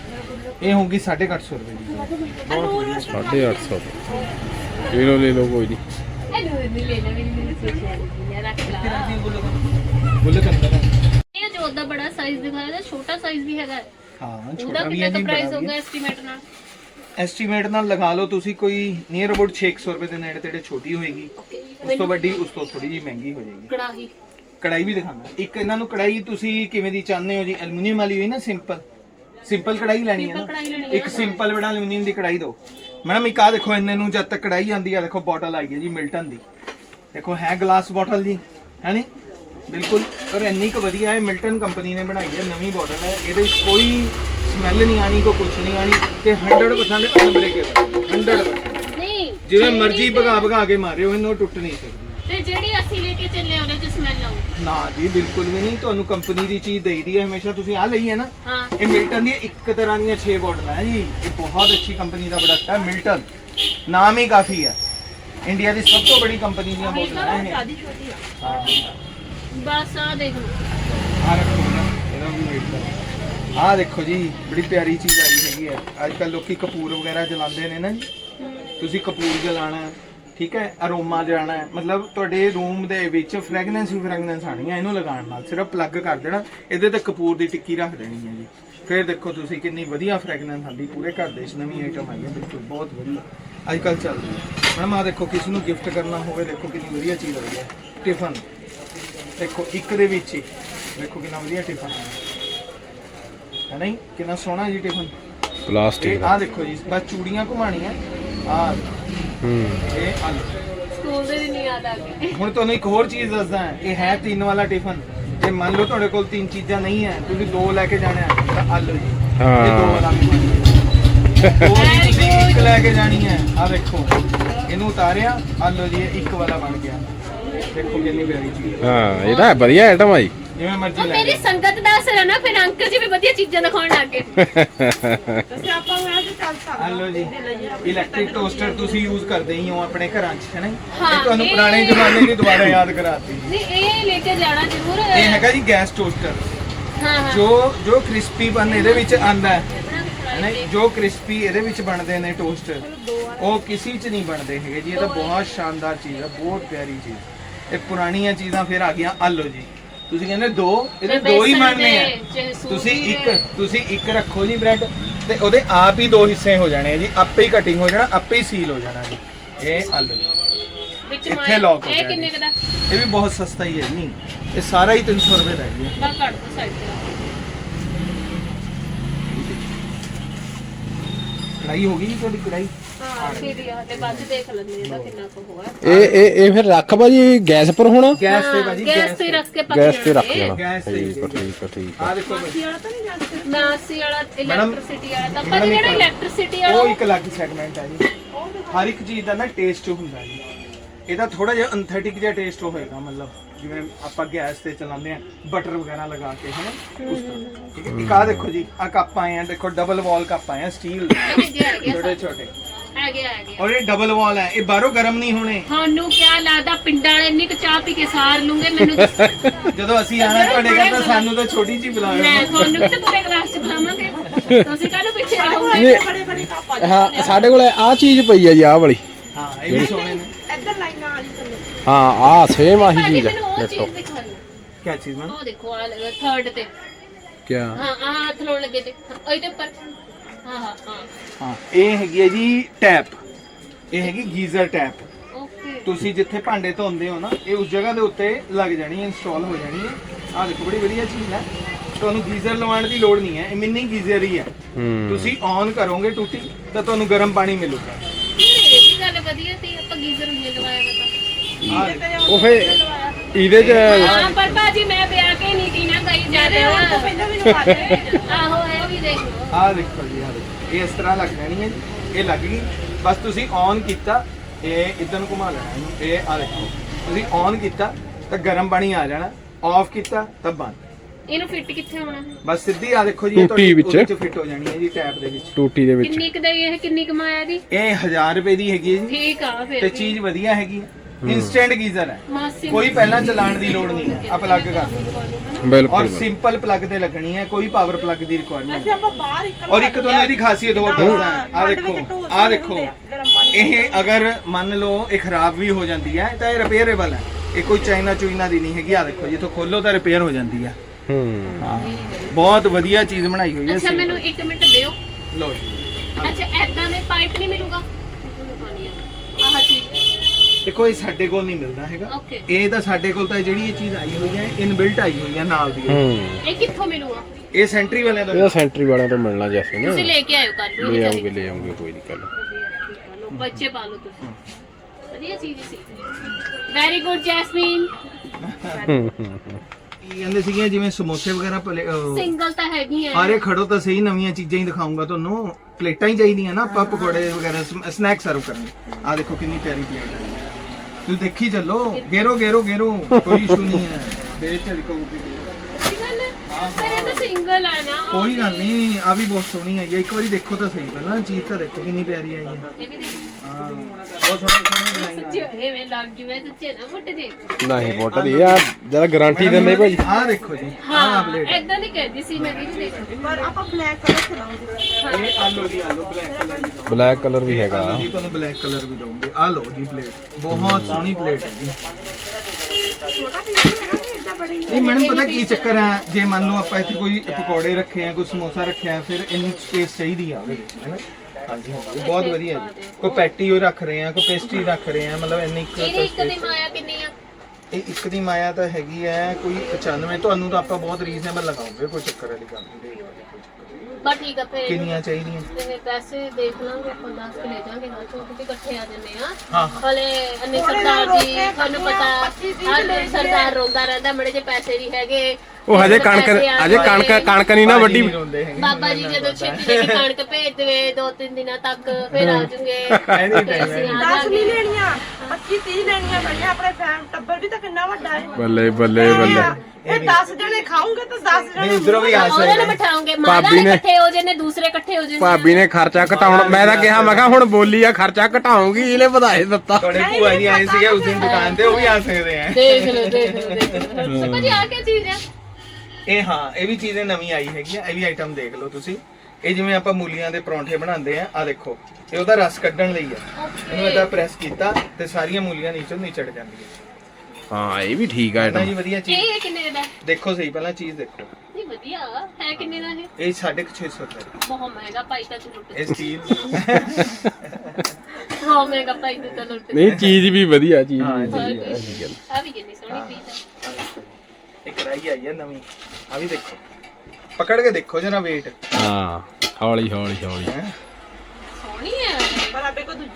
ਇਹ ਹੋਊਗੀ 850 ਰੁਪਏ ਦੀ ਬਹੁਤ ਵਧੀਆ 850 ਲੈ ਲਓ ਕੋਈ ਨਹੀਂ ਇਹਨੂੰ ਨਹੀਂ ਲੈਣਾ ਵੀ ਸੋਚਿਆ ਰੱਖ ਲਾ ਬੁੱਲ ਕੰਦਰ ਇਹ ਜੋ ਦਾ ਬੜਾ ਸਾਈਜ਼ ਦਿਖਾਇਆ ਤਾਂ ਛੋਟਾ ਸਾਈਜ਼ ਵੀ ਹੈਗਾ ਹਾਂ ਉਹਦਾ ਛੋਟਾ ਵੀ ਹੈ ਕਿੰਨਾ ਜੀ ਪ੍ਰਾਈਸ ਬੜਾ ਹੋਗਾ ਵੀ ਐਸਟੀਮੇਟ ਨਾਲ ਐਸਟੀਮੇਟ ਨਾਲ ਲਗਾ ਲਓ ਤੁਸੀਂ ਕੋਈ ਨੀਅਰ ਅਬਾਊਟ 600 ਰੁਪਏ ਦੇ ਨੇੜੇ ਤੇੜੇ ਛੋਟੀ ਹੋਏਗੀ ਉਸ ਤੋਂ ਵੱਡੀ ਉਸ ਤੋਂ ਥੋੜੀ ਜਿਹੀ ਮਹਿੰਗੀ ਹੋ ਜਾਏਗੀ ਕੜਾਹੀ ਕੜਾਈ ਵੀ ਦਿਖਾਣਾ ਇੱਕ ਇਹਨਾਂ ਨੂੰ ਕੜਾਈ ਤੁਸੀਂ ਕਿਵੇਂ ਦੀ ਚਾਹੁੰਦੇ ਹੋ ਜੀ ਐਲੂਮੀਨੀਅਮ ਵਾਲੀ ਹੋਈ ਨਾ ਸਿੰਪਲ ਕੜਾਈ ਲੈਣੀ ਹੈ ਨਾ ਇੱਕ ਸਿੰਪਲ ਬੜਾ ਐਲੂਮੀਨੀਅਮ ਦੀ ਕੜਾਈ ਦਿਓ ਮੈਡਮ ਇੱਕ ਆ ਦੇਖੋ ਇੰਨੇ ਨੂੰ ਜਦ ਤੱਕ ਕੜਾਈ ਆਂਦੀ ਆ ਦੇਖੋ ਬੋਟਲ ਆਈ ਹੈ ਜੀ ਮਿਲਟਨ ਦੀ ਦੇਖੋ ਹੈ ਗਲਾਸ ਬੋਟਲ ਜੀ ਹੈ ਨੀ ਬਿਲਕੁਲ ਪਰ ਇੰਨੀ ਕੁ ਵਧੀਆ ਹੈ ਮਿਲਟਨ ਕੰਪਨੀ ਨੇ ਬਣਾਈ ਹੈ ਨਵੀਂ ਬੋਟਲ ਹੈ ਇਹਦੇ ਵਿੱਚ ਕੋਈ ਸਮੈਲ ਨਹੀਂ ਆਣੀ ਕੋਈ ਕੁਝ ਨਹੀਂ ਆਣੀ ਤੇ 100% ਅਨਬ੍ਰੇਕੇਬਲ 100% ਨਹੀਂ ਜਿਵੇਂ ਮਰਜ਼ੀ ਭਗਾ ਕੇ ਮਾਰਿਓ ਇਹਨੂੰ ਟੁੱਟ ਨਹੀਂ ਸਕਦੀ ਤੇ ਜਿਹੜੀ ਅਸੀਂ ਲੈ ਕੇ ਚੱਲੇ ਉਹਦੇ ਚ ਸਮੈਲ ਆਉ ਨਾ ਜੀ ਬਿਲਕੁਲ ਵੀ ਨਹੀਂ ਤੁਹਾਨੂੰ ਕੰਪਨੀ ਦੀ ਚੀਜ਼ ਦੇਈਦੀ ਹੈ ਹਮੇਸ਼ਾ ਤੁਸੀਂ ਆ ਲਈ ਹੈ ਨਾ ਹਾਂ ਇਹ ਮਿਲਟਨ ਦੀ ਇੱਕ ਤਰ੍ਹਾਂ ਦੀਆਂ 6 ਬੋਟਲਾਂ ਹੈ ਜੀ ਇਹ ਬਹੁਤ ਅੱਛੀ ਕੰਪਨੀ ਦਾ ਪ੍ਰੋਡਕਟ ਹੈ ਮਿਲਟਨ ਨਾਮ ਹੀ ਕਾਫੀ ਹੈ ਇੰਡੀਆ ਦੀ ਸਭ ਤੋਂ ਬੜੀ ਕੰਪਨੀ ਦੀਆਂ ਬੋਤਲਾਂ ਹੈ ਇਹ ਜਿਆਦਾ ਛੋਟੀ ਆ ਹਾਂ ਬਸ ਆ ਦੇਖ ਲਓ ਆ ਰੱਖੋ ਨਾ ਇਹਦਾ ਵੀ ਵੇਟ ਆ ਦੇਖੋ ਜੀ ਬੜੀ ਪਿਆਰੀ ਚੀਜ਼ ਆਈ ਹੈਗੀ ਹੈ ਅੱਜ ਕੱਲ ਲੋਕੀ ਕਪੂਰ ਵਗੈਰਾ ਜਲਾਉਂਦੇ ਨੇ ਨਾ ਜੀ ਤੁਸੀਂ ਕਪੂਰ ਜਲਾਣਾ ਹੈ ਠੀਕ ਹੈ ਅਰੋਮਾ ਜਾਣਾ ਹੈ ਮਤਲਬ ਤੁਹਾਡੇ ਰੂਮ ਦੇ ਵਿੱਚ ਫ੍ਰੈਗਨੈਂਸ ਆਣੀ ਹੈ ਇਹਨੂੰ ਲਗਾਉਣ ਨਾਲ ਸਿਰਫ ਪਲੱਗ ਕਰ ਦੇਣਾ ਇਹਦੇ ਤੇ ਕਪੂਰ ਦੀ ਟਿੱਕੀ ਰੱਖ ਦੇਣੀ ਹੈ ਜੀ ਫਿਰ ਦੇਖੋ ਤੁਸੀਂ ਕਿੰਨੀ ਵਧੀਆ ਫ੍ਰੈਗਨੈਂਸ ਆਉਂਦੀ ਪੂਰੇ ਘਰ ਦੇ ਵਿੱਚ ਨਵੀਂ ਆਈਟਮ ਆਈ ਹੈ ਬਿਲਕੁਲ ਬਹੁਤ ਵਧੀਆ ਅੱਜ ਕੱਲ ਚੱਲਦੀ ਹੈ ਮੈਡਮ ਆ ਦੇਖੋ ਕਿਸ ਨੂੰ ਗਿਫਟ ਕਰਨਾ ਹੋਵੇ ਦੇਖੋ ਕਿੰਨੀ ਵਧੀਆ ਚੀਜ਼ ਆਈ ਹੈ ਟਿਫਨ ਦੇਖੋ ਇੱਕ ਦੇ ਵਿੱਚ ਹੀ ਦੇਖੋ ਕਿੰਨਾ ਵਧੀਆ ਟਿਫਨ ਹੈ ਨਹੀਂ ਕਿੰਨਾ ਸੋਹਣਾ ਜੀ ਟਿਫਨ ਪਲਾਸਟਿਕ ਆ ਦੇਖੋ ਜੀ ਬਸ ਚੂੜੀਆਂ ਘੁਮਾਣੀਆਂ ਆ ਇਹ ਆ ਸਕੂਲ ਦੇ ਨਹੀਂ ਯਾਦ ਆ ਗਏ ਹੁਣ ਤੁਹਾਨੂੰ ਇੱਕ ਹੋਰ ਚੀਜ਼ ਦੱਸਦਾ ਇਹ ਹੈ 3 ਵਾਲਾ ਟਿਫਨ ਜੇ ਮੰਨ ਲਓ ਤੁਹਾਡੇ ਕੋਲ 3 ਚੀਜ਼ਾਂ ਨਹੀਂ ਹੈ ਤੁਸੀਂ 2 ਲੈ ਕੇ ਜਾਣਾ ਹੈ ਤਾਂ ਆ ਲਓ ਜੀ ਇਹ 2 ਵਾਲਾ ਦੋ ਤੁਸੀਂ ਇੱਕ ਲੈ ਕੇ ਜਾਣੀ ਹੈ ਆ ਦੇਖੋ ਇਹਨੂੰ ਉਤਾਰਿਆ ਆ ਲਓ ਜੀ ਇਹ ਇੱਕ ਵਾਲਾ ਬਣ ਗਿਆ ਦੇਖੋ ਕਿੰਨੀ ਪਿਆਰੀ ਚੀਜ਼ ਹਾਂ ਇਹ ਤਾਂ ਵਧੀਆ ਆਈਟਮ ਆਈ ਜਿਵੇਂ ਮਰਜ਼ੀ ਉਹ ਲੈ ਮੇਰੀ ਸੰਗਤ ਦਾ ਅਸਰ ਹੈ ਨਾ ਫਿਰ ਅੰਕਲ ਜੀ ਵੀ ਵਧੀਆ ਚੀਜ਼ਾਂ ਦਿਖਾਉਣ ਲੱਗ ਗਏ ਤੁਸੀਂ ਆਪਾਂ ਮੈਂ ਤੇ ਚੱਲ ਆ ਲਓ ਜੀ ਇਲੈਕਟ੍ਰਿਕ ਟੋਸਟਰ ਤੁਸੀਂ ਯੂਜ਼ ਕਰਦੇ ਹੀ ਹੋ ਆਪਣੇ ਘਰਾਂ 'ਚ ਹੈ ਨਾ ਹਾਂ, ਇਹ ਤੁਹਾਨੂੰ ਇਹ- ਪੁਰਾਣੇ ਜ਼ਮਾਨੇ ਦੀ ਦੁਬਾਰਾ ਯਾਦ ਕਰਾਤੀ ਨਹੀਂ ਇਹ ਲੈ ਕੇ ਜਾਣਾ ਜ਼ਰੂਰ ਇਹ ਹੈਗਾ ਜੀ ਗੈਸ ਟੋਸਟਰ ਹਾਂ ਹਾਂ ਜੋ ਕ੍ਰਿਸਪੀਪਨ ਇਹਦੇ ਵਿੱਚ ਆਂਦਾ ਹੈ ਨਾ ਜੋ ਕ੍ਰਿਸਪੀ ਇਹਦੇ ਵਿੱਚ ਬਣਦੇ ਨੇ ਟੋਸਟਰ ਉਹ ਕਿਸੇ 'ਚ ਨਹੀਂ ਬਣਦੇ ਹੈਗੇ ਜੀ ਇਹ ਤਾਂ ਬਹੁਤ ਸ਼ਾਨਦਾਰ ਚੀਜ਼ ਹੈ ਬਹੁਤ ਪਿਆਰੀ ਚੀਜ਼ ਇਹ ਪੁਰਾਣੀਆਂ ਚੀਜ਼ਾਂ ਫਿਰ ਆ ਗਈਆਂ ਆ ਲਓ ਜੀ ਤੁਸੀਂ ਕਹਿੰਦੇ ਇਹਦੇ ਦੋ ਹੀ ਬਣਨੇ ਆ ਤੁਸੀਂ ਇੱਕ ਰੱਖੋ ਜੀ ਬ੍ਰੈਡ ਤੇ ਉਹਦੇ ਆਪ ਹੀ 2 ਹਿੱਸੇ ਹੋ ਜਾਣੇ ਆ ਜੀ ਆਪੇ ਹੀ ਕਟਿੰਗ ਹੋ ਜਾਣਾ ਆਪੇ ਹੀ ਸੀਲ ਹੋ ਜਾਣਾ ਜੀ ਇਹ ਆ ਲਓ ਵਿੱਚ ਇੱਥੇ lock ਹੋ ਇਹ ਗਿਆ ਕਿੰਨੇ ਜੀ। ਦਾ ਇਹ ਵੀ ਬਹੁਤ ਸਸਤਾ ਹੀ ਹੈ ਨਹੀਂ ਇਹ ਸਾਰਾ ਹੀ 300 ਰੁਪਏ ਦਾ ਹੈ ਜੀ ਬਾ ਕੱਢ ਦੋ ਸਾਈਡ ਤੇ ਕੜਾਈ ਹੋ ਗਈ ਜੀ ਤੁਹਾਡੀ ਕੜਾਈ? ਹਾਂ ਫਿਰ ਹਲੇ ਬਾਅਦ ਚ ਦੇਖ ਲੈਂਦੇ ਇਹਦਾ ਕਿੰਨਾ ਕੁ ਹੋਇਆ। ਇਹ ਫਿਰ ਰੱਖ ਭਾਜੀ ਗੈਸ ਪਰ ਹੋਣਾ? ਗੈਸ ਤੇ ਭਾਜੀ ਗੈਸ ਤੇ ਰੱਖ ਕੇ ਪੱਕ ਗੈਸ ਤੇ ਰੱਖ ਜਾਣਗੇ। ਜਾਣਾ। ਗੈਸ ਤੇ ਠੀਕ ਆ ਠੀਕ ਆ। ਆ ਦੇਖੋ ਭਾਜੀ, ਨਾਸੀ ਵਾਲਾ ਇਲੈਕਟ੍ਰਿਸਿਟੀ ਵਾਲਾ ਤਾਂ ਪਰ ਜਿਹੜਾ ਇਲੈਕਟ੍ਰਿਸਿਟੀ ਵਾਲਾ ਉਹ ਇੱਕ ਅਲੱਗ ਸੈਗਮੈਂਟ ਹੈ ਜੀ। ਹਰ ਇੱਕ ਚੀਜ਼ ਦਾ ਨਾ ਟੇਸਟ ਹੁੰਦਾ ਜੀ। ਇਹਦਾ ਥੋੜਾ ਜਿਹਾ ਅਨਥੈਟਿਕ ਜਿਹਾ ਟੇਸਟ ਹੋਏਗਾ, ਮਤਲਬ ਜਿਵੇਂ ਆਪਾਂ ਗੈਸ ਤੇ ਚਲਾਉਂਦੇ ਆ ਬਟਰ ਵਗੈਰਾ ਲਗਾ ਕੇ, ਹੈ ਨਾ, ਉਸ ਤਰ੍ਹਾਂ। ਠੀਕ ਹੈ। ਇੱਕ ਆ ਦੇਖੋ ਜੀ, ਆ ਕੱਪ ਆਏ ਆ, ਦੇਖੋ ਡਬਲ ਵਾਲ ਕੱਪ ਆਏ ਆ ਸਟੀਲ ਦੇ, ਛੋਟੇ ਛੋਟੇ। ਹੈਗੇ ਔਰ ਇਹ ਡਬਲ ਵਾਲ ਹੈ, ਇਹ ਬਾਹਰੋਂ ਗਰਮ ਨਹੀਂ ਹੋਣੇ। ਤੁਹਾਨੂੰ ਕੀ ਲੱਗਦਾ ਪਿੰਡਾਂ ਵਾਲੇ ਇੰਨੀ ਕੁ ਚਾਹ ਪੀ ਕੇ ਸਾਰ ਲੂੰਗੇ ਮੈਨੂੰ ਦੱਸੋ। ਜਦੋਂ ਅਸੀਂ ਆਣਾ ਤੁਹਾਡੇ ਘਰ ਤਾਂ ਸਾਨੂੰ ਤਾਂ ਛੋਟੀ ਜਿਹੀ ਬੁਲਾਇਓ। ਮੈਂ ਤੁਹਾਨੂੰ ਵੀ ਤਾਂ ਪੂਰੇ ਗਲਾਸ ਚ ਬੁਲਾਵਾਂਗੇ, ਤੁਸੀਂ ਕਾਹਨੂੰ ਪਿੱਛੇ ਰਹੋਗੇ। ਹਾਂ ਸਾਡੇ ਕੋਲ ਆਹ ਚੀਜ਼ ਪਈ ਆ ਜੀ, ਆਹ ਵਾਲੀ। ਹਾਂ ਇਹ ਵੀ ਸੋਹਣੇ ਨੇ। ਇੱਧਰ ਲਾਈਨਾਂ ਵਾਲੀ ਥੱਲੇ ਹਾਂ ਆਹ ਸੇਮ ਆਹੀ ਭਾਜੀ ਚੀਜ਼ ਮੈਨੂੰ ਉਹ ਹੈ। ਚੀਜ਼ ਦਿਖਾਈ ਕੀ ਚੀਜ਼ ਮੈਮ? ਉਹ ਦੇਖੋ ਆ ਥਰਡ ਤੇ ਕਿਆ? ਹਾਂ ਆਹ ਹੱਥ ਲਾਉਣ ਲੱਗੇ ਤੇ ਉਹਦੇ ਉੱਪਰ ਹਾਂ ਹਾਂ ਹਾਂ ਹਾਂ ਇਹ ਹੈਗੀ ਹੈ ਜੀ ਟੈਪ, ਇਹ ਹੈਗੀ ਗੀਜ਼ਰ ਟੈਪ। ਓਕੇ ਤੁਸੀਂ ਜਿੱਥੇ ਭਾਂਡੇ ਧੋਂਦੇ ਹੋ ਨਾ, ਇਹ ਉਸ ਜਗ੍ਹਾ ਦੇ ਉੱਤੇ ਲੱਗ ਜਾਣੀ ਹੈ, ਇੰਸਟਾਲ ਹੋ ਜਾਣੀ ਹੈ। ਆਹ ਦੇਖੋ ਬੜੀ ਵਧੀਆ ਚੀਜ਼ ਹੈ, ਤੁਹਾਨੂੰ ਗੀਜ਼ਰ ਲਵਾਉਣ ਦੀ ਲੋੜ ਨਹੀਂ ਹੈ, ਇਹ ਮਿੰਨੀ ਗੀਜ਼ਰ ਹੀ ਹੈ। ਤੁਸੀਂ ਔਨ ਕਰੋਗੇ ਟੂਟੀ ਤਾਂ ਤੁਹਾਨੂੰ ਗਰਮ ਪਾਣੀ ਮਿਲੂਗਾ। ਇਹ ਵੀ ਗੱਲ ਵਧੀਆ ਸੀ, ਆਪਾਂ ਗੀਜ਼ਰ ਨਹੀਂ ਲਵਾਇਆ ਪਤਾ। ਉਹ ਫੇ ਇਹਦੇ ਚ ਹਾਂ ਪਰ ਭਾਜੀ ਮੈਂ ਵਿਆਹ ਕੇ ਨਹੀਂ ਦੀ ਨਾ ਗਈ ਜਿਆਦਾ ਪਹਿਲਾਂ ਵੀ ਲਵਾ ਦੇ। ਆਹੋ ਇਹ ਵੀ ਦੇਖੋ। ਆਹ ਦੇਖੋ ਜੀ, ਆਹ ਦੇਖੋ, ਇਹ ਇਸ ਤਰ੍ਹਾਂ ਲੱਗ ਜਾਣੀ ਹੈ ਜੀ। ਇਹ ਲੱਗ ਗਈ, ਬਸ ਤੁਸੀਂ ਔਨ ਕੀਤਾ, ਇਹ ਇਦਾਂ ਨੂੰ ਘੁਮਾ ਲੈਣਾ ਇਹਨੂੰ। ਇਹ ਆਹ ਦੇਖੋ, ਤੁਸੀਂ ਔਨ ਕੀਤਾ ਤਾਂ ਗਰਮ ਪਾਣੀ ਆ ਜਾਣਾ, ਆਫ ਕੀਤਾ ਤਾਂ ਬੰਦ। ਇਹਨੂੰ ਫਿੱਟ ਕਿੱਥੇ ਹੋਣਾ? ਬਸ ਸਿੱਧੀ ਆ ਦੇਖੋ ਜੀ, ਇਹ ਟੂਟੀ ਵਿੱਚ। ਉਹਦੇ ਚ ਫਿੱਟ ਹੋ ਜਾਣੀ ਹੈ ਜੀ, ਟੈਪ ਦੇ ਵਿੱਚ। ਟੂਟੀ ਦੇ ਵਿੱਚ ਕਿੰਨੀ ਕੁ ਦਾ ਇਹ ਕਿੰਨੀ ਕਮਾਇਆ ਦੀ? ਇਹ 1000 ਰੁਪਏ ਦੀ ਹੈਗੀ ਹੈ ਜੀ, ਠੀਕ ਆ ਫਿਰ ਤੇ ਚੀਜ਼ ਵਧੀਆ ਹੈਗੀ ਹੈ। ਇੰਸਟੈਂਟ ਗੀਜ਼ਰ ਹੈ, ਮਾਸੀ ਕੋਈ ਪਹਿਲਾਂ ਚਲਾਉਣ ਦੀ ਲੋੜ ਨਹੀਂ ਹੈ। ਆ ਪਲੱਗ ਕਰ ਦਿਓ, ਔਰ ਬਿਲਕੁਲ ਸਿੰਪਲ ਪਲੱਗ ਤੇ ਲੱਗਣੀ ਹੈ, ਕੋਈ ਪਾਵਰ ਪਲੱਗ ਦੀ ਰਿਕੁਆਇਰਮੈਂਟ ਅਸੀਂ ਆਪਾਂ ਬਾਹਰ ਇੱਕ ਔਰ ਇੱਕ ਤੁਹਾਨੂੰ ਇਹਦੀ ਖਾਸੀਅਤ ਹੋਰ ਦੱਸਦਾ। ਆ ਦੇਖੋ, ਆ ਦੇਖੋ, ਇਹ ਅਗਰ ਮੰਨ ਲਓ ਇਹ ਖਰਾਬ ਵੀ ਹੋ ਜਾਂਦੀ ਹੈ ਤਾਂ ਇਹ ਰਿਪੇਅਰੇਬਲ ਹੈ। ਇਹ ਕੋਈ ਚਾਈਨਾ ਚੂਈਨਾ ਦੀ ਨਹੀਂ ਹੈਗੀ। ਆ ਦੇਖੋ, ਜਿੱਥੋਂ ਖੋਲੋ ਤਾਂ ਰਿਪੇਅਰ ਹੋ ਜਾਂਦੀ ਹੈ। ਹਾਂ ਬਹੁਤ ਵਧੀਆ ਚੀਜ਼ ਬਣਾਈ ਹੋਈ ਹੈ। ਅੱਛਾ ਮੈਨੂੰ 1 ਮਿੰਟ ਦਿਓ। ਲਓ ਜੀ, ਅੱਛਾ ਐਦਾਂ ਦੇ ਪਾਈਪ ਨਹੀਂ ਮਿਲੂਗਾ? ਆਹ ਚੀਜ਼ ਦੇਖੋ ਇਹ ਸਾਡੇ ਕੋਲ ਨਹੀਂ ਮਿਲਦਾ ਹੈਗਾ। ਓਕੇ ਇਹ ਤਾਂ ਸਾਡੇ ਕੋਲ ਤਾਂ ਜਿਹੜੀ ਇਹ ਚੀਜ਼ ਆਈ ਹੋਈ ਹੈ ਇਨਬਿਲਟ ਆਈ ਹੋਈ ਹੈ ਨਾਲ ਦੀ। ਇਹ ਕਿੱਥੋਂ ਮਿਲੂਗਾ? ਇਹ ਸੈਂਟਰੀ ਵਾਲਿਆਂ ਦਾ ਇਹਦਾ ਸੈਂਟਰੀ ਵਾਲਿਆਂ ਤੋਂ ਮਿਲਣਾ ਜੈਸੇ ਨਾ। ਤੁਸੀਂ ਲੈ ਕੇ ਆਇਓ ਕੱਲ ਨੂੰ। ਲੈ ਆਉਂਗੇ ਕੋਈ ਨਹੀਂ ਕੱਲ। ਬੱਚੇ ਪਾਲੋ ਤੁਸੀਂ, ਵਧੀਆ ਚੀਜ਼ ਸੀ। Very good Jasmine. ਕੀ ਕਹਿੰਦੇ ਸੀਗੇ, ਜਿਵੇਂ ਸਮੋਸੇ ਵਗੈਰਾ ਸਿੰਗਲ ਤਾਂ ਹੈਗੀ ਹੈ। ਆਰੇ ਖੜੋ ਤਾਂ ਸਹੀ, ਨਵੀਆਂ ਚੀਜ਼ਾਂ ਹੀ ਦਿਖਾਉਂਗਾ ਤੁਹਾਨੂੰ। ਪਲੇਟਾਂ ਹੀ ਚਾਹੀਦੀਆਂ ਨਾ, ਆਪਾਂ ਪਕੌੜੇ ਵਗੈਰਾ ਸਨੈਕ ਸਰਵ ਕਰਨੇ। ਆ ਦੇਖੋ ਕਿੰਨੀ ਪਿਆਰੀ ਪਲੇਟ ਹੈ, ਤੁਸੀਂ ਦੇਖੀ ਚੱਲੋ। ਗੇਰੋ ਗੇਰੋ ਗੇਰੋ, ਕੋਈ ਇਸ਼ੂ ਨਹੀਂ ਹੈ। ਦੇਖ ਚੱਲ ਕਹੂਗੀ ਪਰ ਇਹ ਤਾਂ ਸਿੰਗਲ ਆ ਨਾ। ਕੋਈ ਗੱਲ ਨਹੀਂ, ਆ ਵੀ ਬਹੁਤ ਸੋਹਣੀ ਆਈ ਹੈ। ਇੱਕ ਵਾਰੀ ਦੇਖੋ ਤਾਂ ਸਹੀ, ਪਹਿਲਾਂ ਚੀਜ਼ ਤਾਂ ਦੇਖੋ ਕਿੰਨੀ ਪਿਆਰੀ ਆਈ ਹੈ। ਇਹ ਵੀ ਦੇਖੋ ਹਾਂ ਬਹੁਤ ਸੋਹਣੀ ਬਣਾਈ ਹੈ। ਸੱਚੇ ਵੇ ਲੱਗ ਜਿਵੇਂ ਸੱਚੇ ਨਾ ਮੁੱਟ ਦੇ। ਨਹੀਂ ਫੋਟੋ ਦੀ ਆ ਜਰਾ ਗਾਰੰਟੀ ਦਿੰਦੇ ਭਾਜੀ। ਆਹ ਦੇਖੋ ਜੀ, ਆਹ ਹਾਂ ਪਲੇਟ ਐਦਾਂ ਦੀ ਕਹਿੰਦੀ ਸੀ ਮੈਂ ਵੀ ਦੇਖੋ। ਪਰ ਆਪਾਂ ਬਲੈਕ ਕਲਰ ਚਲਾਉਂਗੇ। ਇਹ ਆਲੂ ਦੀ, ਆਲੂ ਬਲੈਕ ਕਲਰ ਦੀ। ਬਲੈਕ ਕਲਰ ਵੀ ਹੈਗਾ। ਆਲੂ ਜੀ ਤੁਹਾਨੂੰ ਬਲੈਕ ਕਲਰ ਵੀ ਦਊਂਗੇ। ਆ ਲਓ ਜੀ ਪਲੇਟ, ਬਹੁਤ ਸੋਹਣੀ ਪਲੇਟ ਹੈ ਜੀ। ਛੋਟਾ ਪੀਸ ਹੈਗਾ ਕਿ ਇੱਦਾਂ ਬੜੀ ਨਹੀਂ ਮੈਡਮ, ਪਤਾ ਕੀ ਚੱਕਰ ਹੈ, ਜੇ ਮੰਨ ਲਓ ਆਪਾਂ ਇੱਥੇ ਕੋਈ ਪਕੌੜੇ ਰੱਖੇ ਆ, ਕੋਈ ਸਮੋਸਾ ਰੱਖਿਆ ਹੈ, ਫਿਰ ਇੰਨੀ ਸਪੇਸ ਚਾਹੀਦੀ ਆ ਉਹਦੇ ਵਿੱਚ, ਹੈ ਨਾ। ਹਾਂਜੀ ਹਾਂਜੀ, ਬਹੁਤ ਵਧੀਆ ਜੀ। ਕੋਈ ਪੈਟੀ ਉਹ ਰੱਖ ਰਹੇ ਆ, ਕੋਈ ਪੇਸਟਰੀ ਰੱਖ ਰਹੇ ਆ, ਮਤਲਬ ਇੰਨੀ ਇਹਦੀ ਇੱਕ ਦੀ ਮਾਇਆ ਕਿੰਨੀ ਆ? ਇਹ ਇੱਕ ਦੀ ਮਾਇਆ ਤਾਂ ਹੈਗੀ ਹੈ ਕੋਈ 95। ਤੁਹਾਨੂੰ ਤਾਂ ਆਪਾਂ ਬਹੁਤ ਰੀਜ਼ਨੇਬਲ ਲਗਾਉਂਗੇ, ਕੋਈ ਚੱਕਰ ਵਾਲੀ ਗੱਲ ਨਹੀਂ। ਬਸ ਠੀਕ ਆ ਫਿਰ ਕਿੰਨੀਆਂ ਚਾਹੀਦੀਆਂ? ਤੇ ਪੈਸੇ ਦੇਖ ਲਾਂਗੇ ਆਪਾਂ 10 ਕੇ ਲੈ ਜਾਾਂਗੇ ਨਾ, ਕਿਉਂਕਿ ਇਕੱਠੇ ਆ ਜੰਨੇ ਆ। ਹਾਂ ਹਲੇ ਅੰਨੇ ਸਰਦਾਰ ਜੀ ਤੁਹਾਨੂੰ ਪਤਾ ਹਲੇ ਸਰਦਾਰ ਰੋਂਦਾ ਰਹਿੰਦਾ, ਮੜੇ ਜੇ ਪੈਸੇ ਨਹੀਂ ਹੈਗੇ। ਉਹ ਹਜੇ ਕਣਕ ਨਹੀਂ ਨਾ ਵੱਡੀ। ਬਾਬਾ ਜੀ ਜਦੋਂ ਛੇਤੀ ਛੇਤੀ ਕਣਕ ਭੇਜ ਦੇਵੇ 2-3 ਦਿਨਾਂ ਤੱਕ ਫਿਰ ਆ ਜੂਗੇ। ਫਿਰ ਅਸੀਂ ਆ 10 ਨਹੀਂ ਜਾਾਂਗੇ। ਲੈਣੀਆਂ, 25-30 ਲੈਣੀਆਂ ਬੜੀਆਂ। ਆਪਣੇ ਫੈਮ ਟੱਬਰ ਵੀ ਤਾਂ ਕਿੰਨਾ ਵੱਡਾ ਹੈ। ਬੱਲੇ ਬੱਲੇ ਬੱਲੇ। ਇਹ 10 ਜਣੇ ਖਾਉਂਗੇ ਤਾਂ 10 ਜਣੇ ਉਧਰੋਂ ਵੀ ਆ ਉਹਨਾਂ ਨੂੰ ਸਕਦੇ। ਬਿਠਾਉਂਗੇ, ਮਾਦਾ ਨੇ ਇਕੱਠੇ ਹੋ ਜਨੇ, ਦੂਸਰੇ ਇਕੱਠੇ ਹੋ ਜਨੇ। ਭਾਬੀ ਨੇ ਖਰਚਾ ਘਟਾਉਣ, ਮੈਂ ਤਾਂ ਕਿਹਾ ਮੈਂ ਕਿਹਾ ਹੁਣ ਬੋਲੀ ਆ ਖਰਚਾ ਘਟਾਉਂਗੀ, ਇਹਨੇ ਵਧਾਏ ਦਿੱਤਾ। ਤੁਹਾਡੇ ਭੂਆ ਜੀ ਆਏ ਸੀਗੇ ਉਸ ਦਿਨ ਦੁਕਾਨ ਤੇ, ਉਹ ਵੀ ਆ ਸਕਦੇ ਆ। ਦੇਖ ਲਓ ਦੇਖ ਲਓ ਦੇਖ ਲਓ। ਸਮਝ ਆ ਕੀ ਚੀਜ਼ ਹੈ? ਇਹ ਹਾਂ, ਇਹ ਵੀ ਚੀਜ਼ ਨਵੀਂ ਆਈ ਹੈਗੀ ਆ। ਇਹ ਵੀ ਆਈਟਮ ਦੇਖ ਲਓ ਤੁਸੀਂ। ਇਹ ਜਿਵੇਂ ਆਪਾਂ ਮੂਲੀਆਂ ਦੇ ਪਰੌਂਠੇ ਬਣਾਉਂਦੇ ਆ, ਆ ਦੇਖੋ, ਇਹ ਉਹਦਾ ਰਸ ਕੱਢਣ ਲਈ ਆ। ਇਹਨੂੰ ਏਦਾਂ ਪ੍ਰੈਸ ਕੀਤਾ ਤੇ ਸਾਰੀਆਂ ਮੂਲੀਆਂ ਨੀਚੋਂ ਨਿਚੜ ਜਾਂਦੀਆਂ। ਹਾਂ ਇਹ ਵੀ ਠੀਕ ਆ ਨਾ ਜੀ, ਵਧੀਆ ਚੀਜ਼। ਇਹ ਕਿੰਨੇ ਦਾ? ਦੇਖੋ ਸਹੀ, ਪਹਿਲਾਂ ਚੀਜ਼ ਦੇਖੋ। ਨਹੀਂ ਵਧੀਆ ਹੈ। ਕਿੰਨੇ ਦਾ ਇਹ? ਇਹ 650 ਰੁਪਏ ਦਾ। ਬਹੁਤ ਮਹਿੰਗਾ ਭਾਈ ਤਾਂ ਤੂੰ ਲੁੱਟ। ਇਹ ਸਟੀਲ। ਬਹੁਤ ਮਹਿੰਗਾ ਭਾਈ ਤੂੰ ਤਾਂ ਲੁੱਟ। ਨਹੀਂ ਚੀਜ਼ ਵੀ ਵਧੀਆ, ਚੀਜ਼ ਹਾਂ, ਵੀ ਚੀਜ਼ ਵਧੀਆ। ਆ ਵੀ ਕਿੰਨੀ ਸੋਹਣੀ ਪੀਸ ਹੈ। ਇੱਕ ਕੜਾਈ ਆਈ ਹੈ ਨਵੀਂ, ਆ ਵੀ ਦੇਖੋ, ਪਕੜ ਕੇ ਦੇਖੋ ਜਰਾ ਵੇਟ। ਹਾਂ ਹੌਲੀ ਹੌਲੀ ਹੌਲੀ।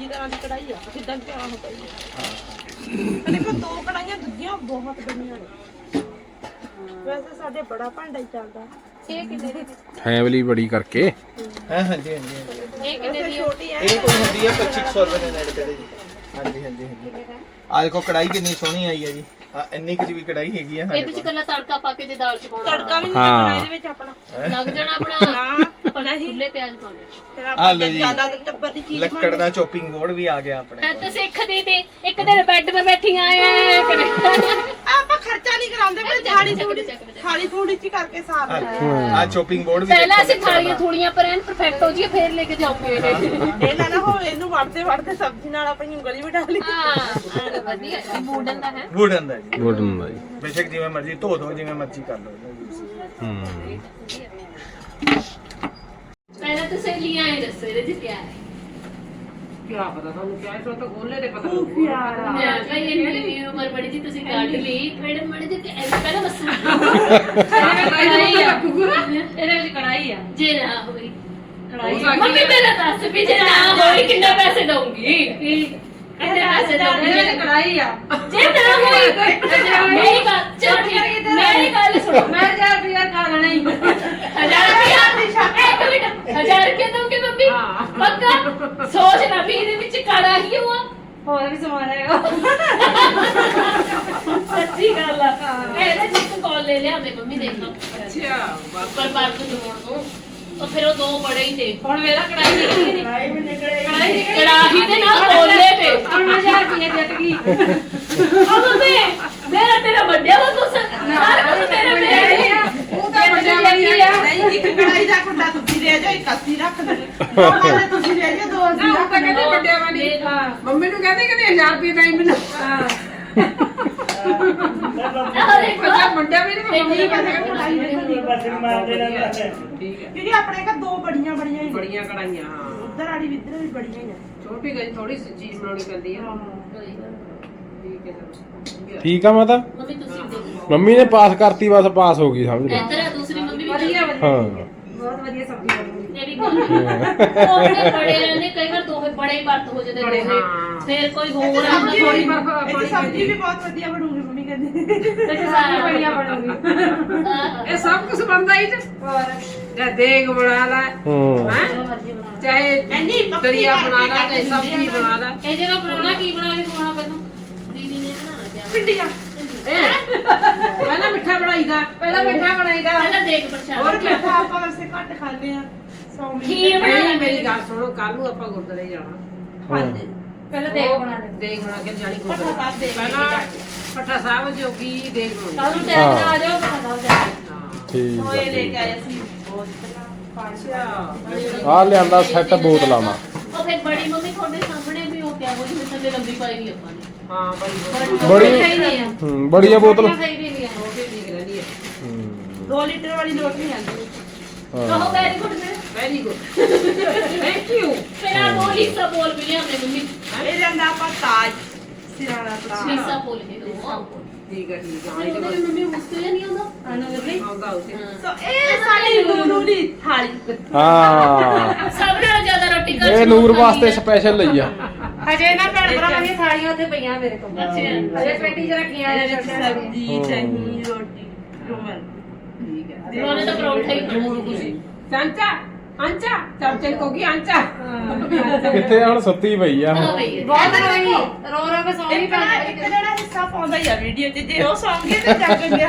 ਦੂਜੀ ਤਰ੍ਹਾਂ ਦੀ ਕੜਾਈ ਆ ਜਿੱਦਾਂ ਕਿ ਆਹ ਕੜਾਈ ਦੇਖੋ 2 ਕੜਾਈਆਂ ਦੂਜੀਆਂ ਬਹੁਤ ਬੜੀਆਂ ਨੇ ਵੈਸੇ ਸਾਡੇ ਬੜਾ ਭਾਂਡਾ ਹੀ ਚੱਲਦਾ ਇਹ ਕਿੰਨੇ ਦੀ ਫੈਮਿਲੀ ਬੜੀ ਕਰਕੇ ਹਾਂਜੀ ਇਹ ਕਿੰਨੇ ਦੀ ਆ? ਛੋਟੀ ਹੈ ਇਹ ਕੋਈ ਹੁੰਦੀ ਹੈ 2500 ਰੁਪਏ ਦੇ ਨੇੜੇ ਤੇੜੇ ਜੀ ਹਾਂਜੀ ਆ ਦੇਖੋ ਕੜਾਈ ਕਿੰਨੀ ਸੋਹਣੀ ਆਈ ਹੈ ਜੀ ਆ ਇੰਨੀ ਕੁ ਜੀ ਵੀ ਕੜਾਈ ਹੈਗੀ ਆ ਇਹਦੇ ਚ ਕੱਲਾ ਤੜਕਾ ਪਾ ਕੇ ਤੇ ਦਾਲ ਚ ਪਾਉਣਾ ਤੜਕਾ ਵੀ ਨਹੀਂ ਹਾਂ। ਲੱਗਣਾ ਇਹਦੇ ਵਿੱਚ ਆਪਣਾ ਲੱਗ ਜਾਣਾ ਆਪਣਾ ਨਾ ਖੁੱਲੇ ਪਿਆਜ਼ ਪਾਉਣੇ ਫਿਰ ਆ ਆਪਾਂ ਲਓ ਜੀ। ਜ਼ਿਆਦਾ ਟੱਬਰ ਦੀ ਚੀਜ਼ ਲੱਕੜ ਦਾ ਚੋਪਿੰਗ ਬੋਰਡ ਵੀ ਆ ਗਿਆ ਆਪਣੇ ਤੇ ਸਿੱਖਦੀ ਤੇ ਇੱਕ ਦਿਨ ਬੈੱਡ 'ਤੇ ਬੈਠੀ ਆਏ ਕਰੇ ਆਪਾਂ ਖਰਚਾ ਨਹੀਂ ਕਰਾਉਂਦੇ ਪਰ ਥਾਲੀ ਥੋੜੀ ਚੱਕ ਦੇ। ਥਾਲੀ ਥੋੜੀ ਚ ਕਰਕੇ ਸਾਰ ਆ ਚੋਪਿੰਗ ਬੋਰਡ ਵੀ ਪਹਿਲਾਂ ਦੇਖੋ ਅਸੀਂ ਥਾਲੀਆਂ ਥੋੜੀਆਂ ਪਰ ਐਨ ਪਰਫੈਕਟ ਹੋ ਜੀ ਫੇਰ ਲੈ ਕੇ ਜਾਓਗੇ ਇਹ ਨਾ ਹੋਵੇ ਇਹਨੂੰ ਵੜਦੇ ਸਬਜ਼ੀ ਨਾਲ ਆਪਣੀ ਉਂਗਲੀ ਵੀ ਡਾਲੀ ਹਾਂ ਵਧੀਆ ਮੂਡਨ ਦਾ ਹੈ ਵੁਡਨ ਦਾ ਜੀ ਗੋਲਡਨ ਦਾ ਜੀ ਬੇਸ਼ੱਕ ਜਿਵੇਂ ਮਰਜ਼ੀ ਧੋ ਦੋ ਜਿਵੇਂ ਮਰਜ਼ੀ ਕਰ ਲਓ ਹੂੰ ਪਹਿਲਾਂ ਤਾਂ ਸਹੇਲੀਆਂ ਆਏ ਦੱਸੋ ਇਹਦੇ ਚ ਕਿਆ ਹੈ ਕਿਆ ਪਤਾ ਤੁਹਾਨੂੰ ਕਿਆ ਇਸ ਤਾਂ ਖੋਲੇ ਤੇ ਪਤਾ ਮੈਂ ਭਾਈ ਇਹ ਉਮਰ ਬੜੀ ਜੀ ਤੁਸੀਂ ਕੱਢ ਲਈ ਮੈਡਮ ਮੜੇ ਜੀ ਪਹਿਲਾਂ ਦੱਸੋ ਇਹਦੇ ਵਿੱਚ ਕੜਾਈ ਆ ਜੇ ਨਾ ਹੋਈ ਕੜਾਈ ਮੰਮੀ ਪਹਿਲਾਂ ਦੱਸ ਵੀ ਜੇ ਨਾ ਹੋਈ ਕਿੰਨੇ ਪੈਸੇ ਦਊਂਗੀ ਕਿੰਨੇ ਪੈਸੇ ਦਊਂਗੀ ਇਹਦੇ ਵਿੱਚ ਕੜਾਈ ਆ ਜੇ ਨਾ ਹੋਈ ਮੇਰੀ ਗੱਲ ਚਲੋ ਠੀਕ ਮੇਰੀ ਗੱਲ ਸੁਣੋ ਮੈਂ 1000 ਰੁਪਇਆ ਖਾ ਲੈਣਾ ਹੀ 1000 ਰੁਪਇਆ ਇੱਕ ਮਿੰਟ 1000 ਰੁਪਇਆ ਦਊਂਗੀ ਮੰਮੀ ਹਾਂ। ਪੱਕਾ ਸੋਚ ਨਾ ਵੀ ਇਹਦੇ ਵਿੱਚ ਕਾੜਾ ਹੀ ਹੋਆ ਹੋਰ ਵੀ ਸਮਾਨ ਹੈਗਾ ਸੱਚੀ ਗੱਲ ਆ ਇਹਦੇ ਵਿੱਚ ਕਾਲ ਲੈ ਲਿਆ ਮੈਂ ਮੰਮੀ ਦੇਖ ਲਓ ਅੱਛਾ ਪਰ ਪਰ ਤੋਂ ਜੋੜ ਦੋ ਤਾਂ ਫਿਰ ਉਹ 2 ਬੜੇ ਹੀ ਤੇ ਹੁਣ ਮੇਰਾ ਕੜਾਈ ਨਿਕਲੀ ਨਹੀਂ ਕੜਾਈ ਕੜਾਹੀ ਦੇ ਨਾਲ ਕੋਲੇ ਤੇ ਹੁਣ ਮੈਂ 1000 ਰੁਪਇਆ ਜਿੱਤ ਗਈ ਉਹ ਤੇ ਮੇਰਾ ਤੇਰਾ ਵੱਡਿਆ ਵਾ ਤੂੰ ਸਾਰਾ ਕੁਝ ਤੇਰਾ ਮੇਰਾ ਉਹ ਤਾਂ ਵੱਡਾ ਵਾਲੀ ਆ ਨਹੀਂ ਇੱਕ ਕੜਾਈ ਦਾ ਕੁੰਡਾ ਤੁਸੀਂ ਲੈ ਜਾਓ ਇੱਕ ਅਸੀਂ ਰੱਖ ਦਿੰਦੇ ਦੋ ਵਾਲੇ ਤੁਸੀਂ ਲੈ ਜਾਓ ਦੋ ਅਸੀਂ ਨਾ ਉਹ ਰੱਖ ਤਾਂ ਕਹਿੰਦੇ ਵੱਡਿਆ ਵਾਲੀ ਮੰਮੀ ਨੂੰ ਕਹਿੰਦੇ ਕਿ 1000 ਰੁਪਇਆ ਨਹੀਂ ਮੈਨੂੰ ਅਰੇ ਪਤਾ ਵੱਡਿਆ ਵੀ ਨਹੀਂ ਮੰਮੀ ਨੂੰ ਕਹਿੰਦੇ ਠੀਕ ਹੈ ਕਿਉਂਕਿ ਆਪਣੇ ਘਰ 2 ਬੜੀਆਂ ਹੀ ਨੇ। ਬੜੀਆਂ ਕੜਾਈਆਂ ਹਾਂ ਉੱਧਰ ਵਾਲੀ ਵੀ ਇੱਧਰ ਵੀ ਬੜੀਆਂ ਹੀ ਆ ਛੋਟੀ ਗਈ ਥੋੜੀ ਚੀਜ਼ ਬਣਾਉਣੀ ਪੈਂਦੀ ਆ ਠੀਕ ਹੈ ਚਲੋ ਠੀਕ ਆ ਮਾਤਾ ਮੰਮੀ ਤੁਸੀਂ ਦੇਖੋ ਮੰਮੀ ਨੇ ਪਾਸ ਕਰਤੀ ਬਸ ਪਾਸ ਹੋ ਗਈ ਸਮਝ ਲੈ ਇੱਧਰ ਆ ਦੂਸਰੀ ਮੰਮੀ ਵੀ ਵਧੀਆ ਹਾਂ ਬਹੁਤ ਵਧੀਆ ਸਬਜ਼ੀ ਬਣੂਗੀ ਇਹ ਵੀ ਗੱਲ ਉਹਨੇ ਬੜੇ ਰਹਿੰਦੇ ਕਈ ਵਾਰ ਦੋ ਬੜੇ ਹੀ ਵਰਤ ਹੋ ਜਾਂਦੇ ਬੜੇ, ਦੋਵੇਂ ਹਾਂ। ਫਿਰ ਕੋਈ ਹੋਰ ਆਉਂਦਾ ਸਬਜ਼ੀ ਥੋੜੀ ਵੀ ਬਰਫ਼ ਇਹ 'ਚ ਸਬਜ਼ੀ ਵੀ ਬਹੁਤ ਵਧੀਆ ਬਣੂਗੀ ਮੰਮੀ ਕਹਿੰਦੀ ਤੇ ਸਾਰੀ ਬੜੀਆਂ ਬਣੂਗੀ ਇਹ ਸਭ ਕੁਝ ਬਣਦਾ ਹੀ ਤੇ ਹੋਰ ਜਾਂ ਦੇਗ ਬਣਾ ਲੈ ਹੂੰ ਹੈ ਚਾਹੇ ਇੰਨੀ ਪੱਕੀ ਦਰਿਆ ਬਣਾ ਲੈ ਕਰਕੇ ਚਾਹੇ ਸਬਜ਼ੀ ਬਣਾ ਲੈ ਇਹ ਜਿਹੜਾ ਬਣਾਉਣਾ ਕੀ ਬਣਾ ਕੇ ਖਵਾਉਣਾ ਪਹਿਲਾਂ ਦੀਦੀ ਨੇ ਬਣਾਉਣਾ ਪਿਆ ਪਿੰਡੀਆਂ ਪਹਿਲਾਂ ਮਿੱਠਾ ਬਣਾਈਦਾ ਪਹਿਲਾਂ ਮਿੱਠਾ ਬਣਾਈਦਾ ਪਹਿਲਾਂ ਦੇਖ ਪ੍ਰਸ਼ਾਦ ਹੋਰ ਮਿੱਠਾ ਆਪਾਂ ਵੈਸੇ ਘੱਟ ਖਾਂਦੇ ਆ ਖੀਰ ਬਣਾ ਪਹਿਲਾਂ ਲੈ ਮੇਰੀ ਗੱਲ ਸੁਣੋ ਕੱਲ ਨੂੰ ਆਪਾਂ ਗੁਰਦੁਆਰੇ ਜਾਣਾ ਖਾਂਦੇ ਪਹਿਲਾਂ ਦੇਗ ਬਣਾ ਲੈ ਦੇਗ ਬਣਾ ਕੇ ਜਾਣੀ ਪੱਠਾ ਸਾਹਿਬ ਦੇਗ ਪਹਿਲਾਂ ਪੱਠਾ ਸਾਹਿਬ ਜੋਗੀ ਦੇਗ ਬਣਾਉਣੀ ਕੱਲ ਨੂੰ ਟਾਈਮ ਨਾਲ ਆ ਜਾਓ ਪਤਾ ਲੱਗ ਜਾਏ ਠੀਕ ਹੋਏ ਲੈ ਆ ਕੇ ਆਏ ਸੀ ਬਹੁਤ ਅੱਛਾ ਆ ਲਿਆਂਦਾ ਸੈੱਟ ਬੋਤਲਾਂ ਦਾ ਉਹ ਫਿਰ ਬੜੀ ਮੰਮੀ ਤੁਹਾਡੇ ਸਾਹਮਣੇ ਵੀ ਉਹ ਕਿਹਾ ਹੋਈ ਥੱਲੇ ਲੰਬੀ ਪਾਈ ਵੀ ਆਪਾਂ ਨੇ ਹਾਂ ਬੜੀ ਬੜੀ ਸਹੀ ਨਹੀਂ ਆ ਹੂੰ ਬੜੀਆਂ ਬੋਤਲ ਸਹੀ ਵੀ ਨਹੀਂ ਆ ਹੋ ਕੇ ਠੀਕ ਰਹਿੰਦੀ ਹੈ ਹੂੰ 2 ਲੀਟਰ ਵਾਲੀ ਲੋਟ ਨਹੀਂ ਆਉਂਦੀ ਹਾਂ ਕਹੋ ਵੈਰੀ ਗੁੱਡ ਮੇਰੇ ਵੈਰੀ ਗੁੱਡ ਥੈਂਕ ਯੂ ਫਿਰ ਆ ਉਹ ਹਿੱਸਾ ਬੋਲ ਵੀ ਲਿਆਉਂਦੇ ਮੰਮੀ ਇਹ ਜਾਂਦਾ ਆਪਾਂ ਤਾਜ ਸਿਰਾਣਾ ਤਾਜ ਹਿੱਸਾ ਬੋਲ ਕੇ ਦੋ ਠੀਕ ਹੈ ਠੀਕ ਹੈ ਉਹਦੇ ਵੀ ਮੰਮੀ ਮੁਸਤੇ ਨਹੀਂ ਆਉਂਦਾ ਅਨੁਰਲੀ ਆਉਂਦਾ ਉਸੇ ਸੋ ਇਹ ਸਾਡੀ ਨੂਰੂ ਦੀ ਥਾਲੀ ਹਾਂ ਸਭ ਨਾਲੋਂ ਜ਼ਿਆਦਾ ਰੋਟੀ ਘਰ ਇਹ ਨੂਰ ਵਾਸਤੇ ਸਪੈਸ਼ਲ ਲਈ ਆ ਹਜੇ ਨਾ ਭੈਣ ਭਰਾਵਾਂ ਦੀਆਂ ਥਾਲੀਆਂ ਉੱਥੇ ਪਈਆਂ ਮੇਰੇ ਕੋਲ ਅੱਛਾ ਅਰੇ ਪੇਟੀ ਚ ਰੱਖੀਆਂ ਆ ਇਹਦੇ ਵਿੱਚ ਸਬਜ਼ੀ ਚਟਨੀ ਰੋਟੀ ਰੋਮਨ ਠੀਕ ਹੈ ਉਹਨੇ ਤਾਂ ਪਰੌਂਠਾ ਹੀ ਜਮੂਰ ਖੁਸ਼ੀ ਚਾਂਚਾ ਆਂਚਾ ਚਾਚੇ ਕੋ ਕੀ ਆਂਚਾ ਕਿੱਥੇ ਹੁਣ ਸੁੱਤੀ ਪਈ ਆ ਹਾਂ ਹੁਣ ਬਈ ਬਹੁਤ ਰੋਈ ਰੋ ਰੋ ਕੇ ਸੌਂ ਇੱਕ ਜਿਹੜਾ ਹਿੱਸਾ ਪਾਉਂਦਾ ਹੀ ਆ ਵੀਡੀਓ 'ਚ ਜੇ ਉਹ ਸੌਂ ਗਏ ਤੇ ਜੱਗ ਗਿਆ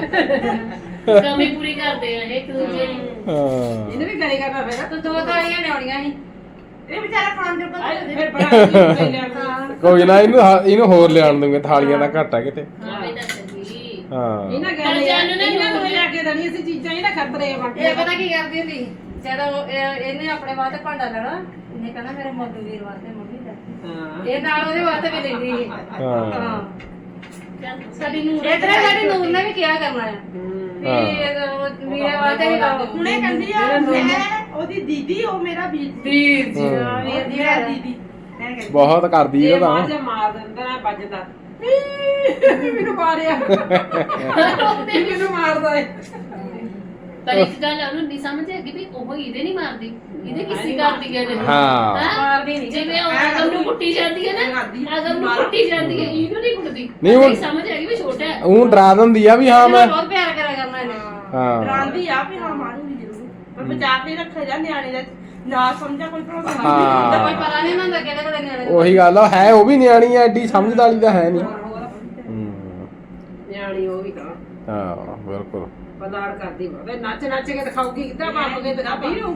ਕਮੀ ਪੂਰੀ ਕਰਦੇ ਆ ਇਹ ਇੱਕ ਦੂਜੇ ਦੀ ਹਾਂ ਇਹਨੇ ਵੀ ਕਰੇ ਕਰਨਾ ਫਿਰ ਤਾਂ 2 ਥਾਲੀਆਂ ਲਿਆਉਣੀਆਂ ਸੀ ਇਹ ਵਿਚਾਰਾ ਖਾਣ ਜੋਗਾ ਫਿਰ ਬੜਾ ਕੋਈ ਨਾ ਇਹਨੂੰ ਹੋਰ ਲਿਆਣ ਦੂੰਗੇ ਥਾਲੀਆਂ ਦਾ ਘਾਟਾ ਕਿਤੇ ਹਾਂ ਬਈ ਦੱਸ ਜੀ ਹਾਂ ਇਹਨਾਂ ਕਹਿੰਦੇ ਇਹਨਾਂ ਨੂੰ ਲਿਆ ਕੇ ਦੇਣੀ ਅਸੀਂ ਚੀਜ਼ਾਂ ਇਹਨਾਂ ਖਤਰੇ ਵੰਡ ਇਹ ਪਤਾ ਕੀ ਕਰਦੀ ਹੁੰਦੀ ਜਦੋਂ ਇਹਨੇ ਆਪਣੇ ਵਾਸਤੇ ਭਾਂਡਾ ਲੈਣਾ ਇਹਨੇ ਕਹਿਣਾ ਮੇਰੇ ਮੋਟੂ ਵੀਰ ਵਾਸਤੇ ਮੰਮੀ ਦਾ ਹਾਂ ਇਹ ਨਾਲ ਉਹਦੇ ਵਾਸਤੇ ਵੀ ਲੈਂਦੀ ਸੀ ਹਾਂ ਸਾਡੀ ਨੂਰ ਇਧਰ ਸਾਡੀ ਨੂਰ ਨੇ ਵੀ ਕਿਹਾ ਕਰਨਾ ਹੈ ਵੀ ਮੇਰੇ ਵਾਸਤੇ ਵੀ ਲਾਓ ਹੁਣੇ ਕਹਿੰਦੀ ਆ ਮੈਂ ਉਹਦੀ ਦੀਦੀ ਉਹ ਮੇਰਾ ਵੀਰ ਵੀਰ ਜੀ ਹਾਂ। ਵੀਰ ਦੀ ਮੇਰਾ ਗੱਲ ਹੈ। ਦੀਦੀ ਮੈਂ ਕਹਿੰਦੀ ਬਹੁਤ ਕਰਦੀ ਇਹ ਇਹ ਤਾਂ ਬਾਅਦ ਚ ਮਾਰ ਦਿੰਦਾ ਨਾ ਵੱਜਦਾ ਮੈਨੂੰ ਮਾਰਿਆ ਮੈਨੂੰ ਮਾਰਦਾ ਹੈ ਪਰ ਇੱਕ ਗੱਲ ਉਹਨੂੰ ਨਹੀਂ ਸਮਝ ਆਗੀ ਵੀ ਉਹ ਇਹਦੇ ਨਹੀਂ ਮਾਰਦੀ, ਇਹਦੇ ਕਿਸੇ ਕਰਦੀ ਹੈ ਨੇ। ਹਾਂ। ਮਾਰਦੀ ਨਹੀਂ ਜਿਵੇਂ ਉਹ ਅਗਮ ਨੂੰ ਕੁੱਟੀ ਜਾਂਦੀ ਹੈ ਨਾ, ਅਗਮ ਨੂੰ ਕੁੱਟੀ ਜਾਂਦੀ ਹੈ, ਇਹਨੂੰ ਨਹੀਂ ਕੁੱਟਦੀ। ਨਹੀਂ ਉਹ ਸਮਝ ਆ ਗਈ ਵੀ ਛੋਟਾ ਹੈ। ਉਹ ਡਰਾ ਦਿੰਦੀ ਆ ਵੀ ਹਾਂ ਮੈਂ ਬਹੁਤ ਪਿਆਰ ਕਰਿਆ ਕਰਨਾ ਇਹਨੇ। ਹਾਂ ਡਰਾਂਦੀ ਆ ਵੀ ਹਾਂ ਮਾਰੂਗੀ ਜ਼ਰੂਰ, ਪਰ ਬਚਾ ਕੇ ਰੱਖਿਆ ਜਾ ਨਿਆਣੇ ਦਾ, ਨਾ ਸਮਝਾ ਕੋਈ ਪ੍ਰੋਬਲਮ ਤਾਂ ਹਾਂ ਕੋਈ ਪਤਾ ਨਹੀਂ ਹੁੰਦਾ ਕਿਹੜੇ ਕਿਹੜੇ ਨਿਆਣੇ ਦਾ। ਉਹੀ ਗੱਲ ਆ, ਹੈ ਉਹ ਵੀ ਨਿਆਣੀ ਐ, ਐਡੀ ਸਮਝ ਵਾਲੀ ਤਾਂ ਹੈ ਨਹੀਂ। ਨਿਆਣੀ ਉਹ ਵੀ ਤਾਂ ਹਾਂ ਬਿਲਕੁਲ। ਪਲਾੜ ਕਰਦੀ ਹੋਵੇ, ਨੱਚ ਨੱਚ ਕੇ ਦਿਖਾਉਗੀ, ਕਿੱਦਾਂ ਪਾਪ ਕੇ ਦਿਖਾਉਂਦੀ ਰਹੂ।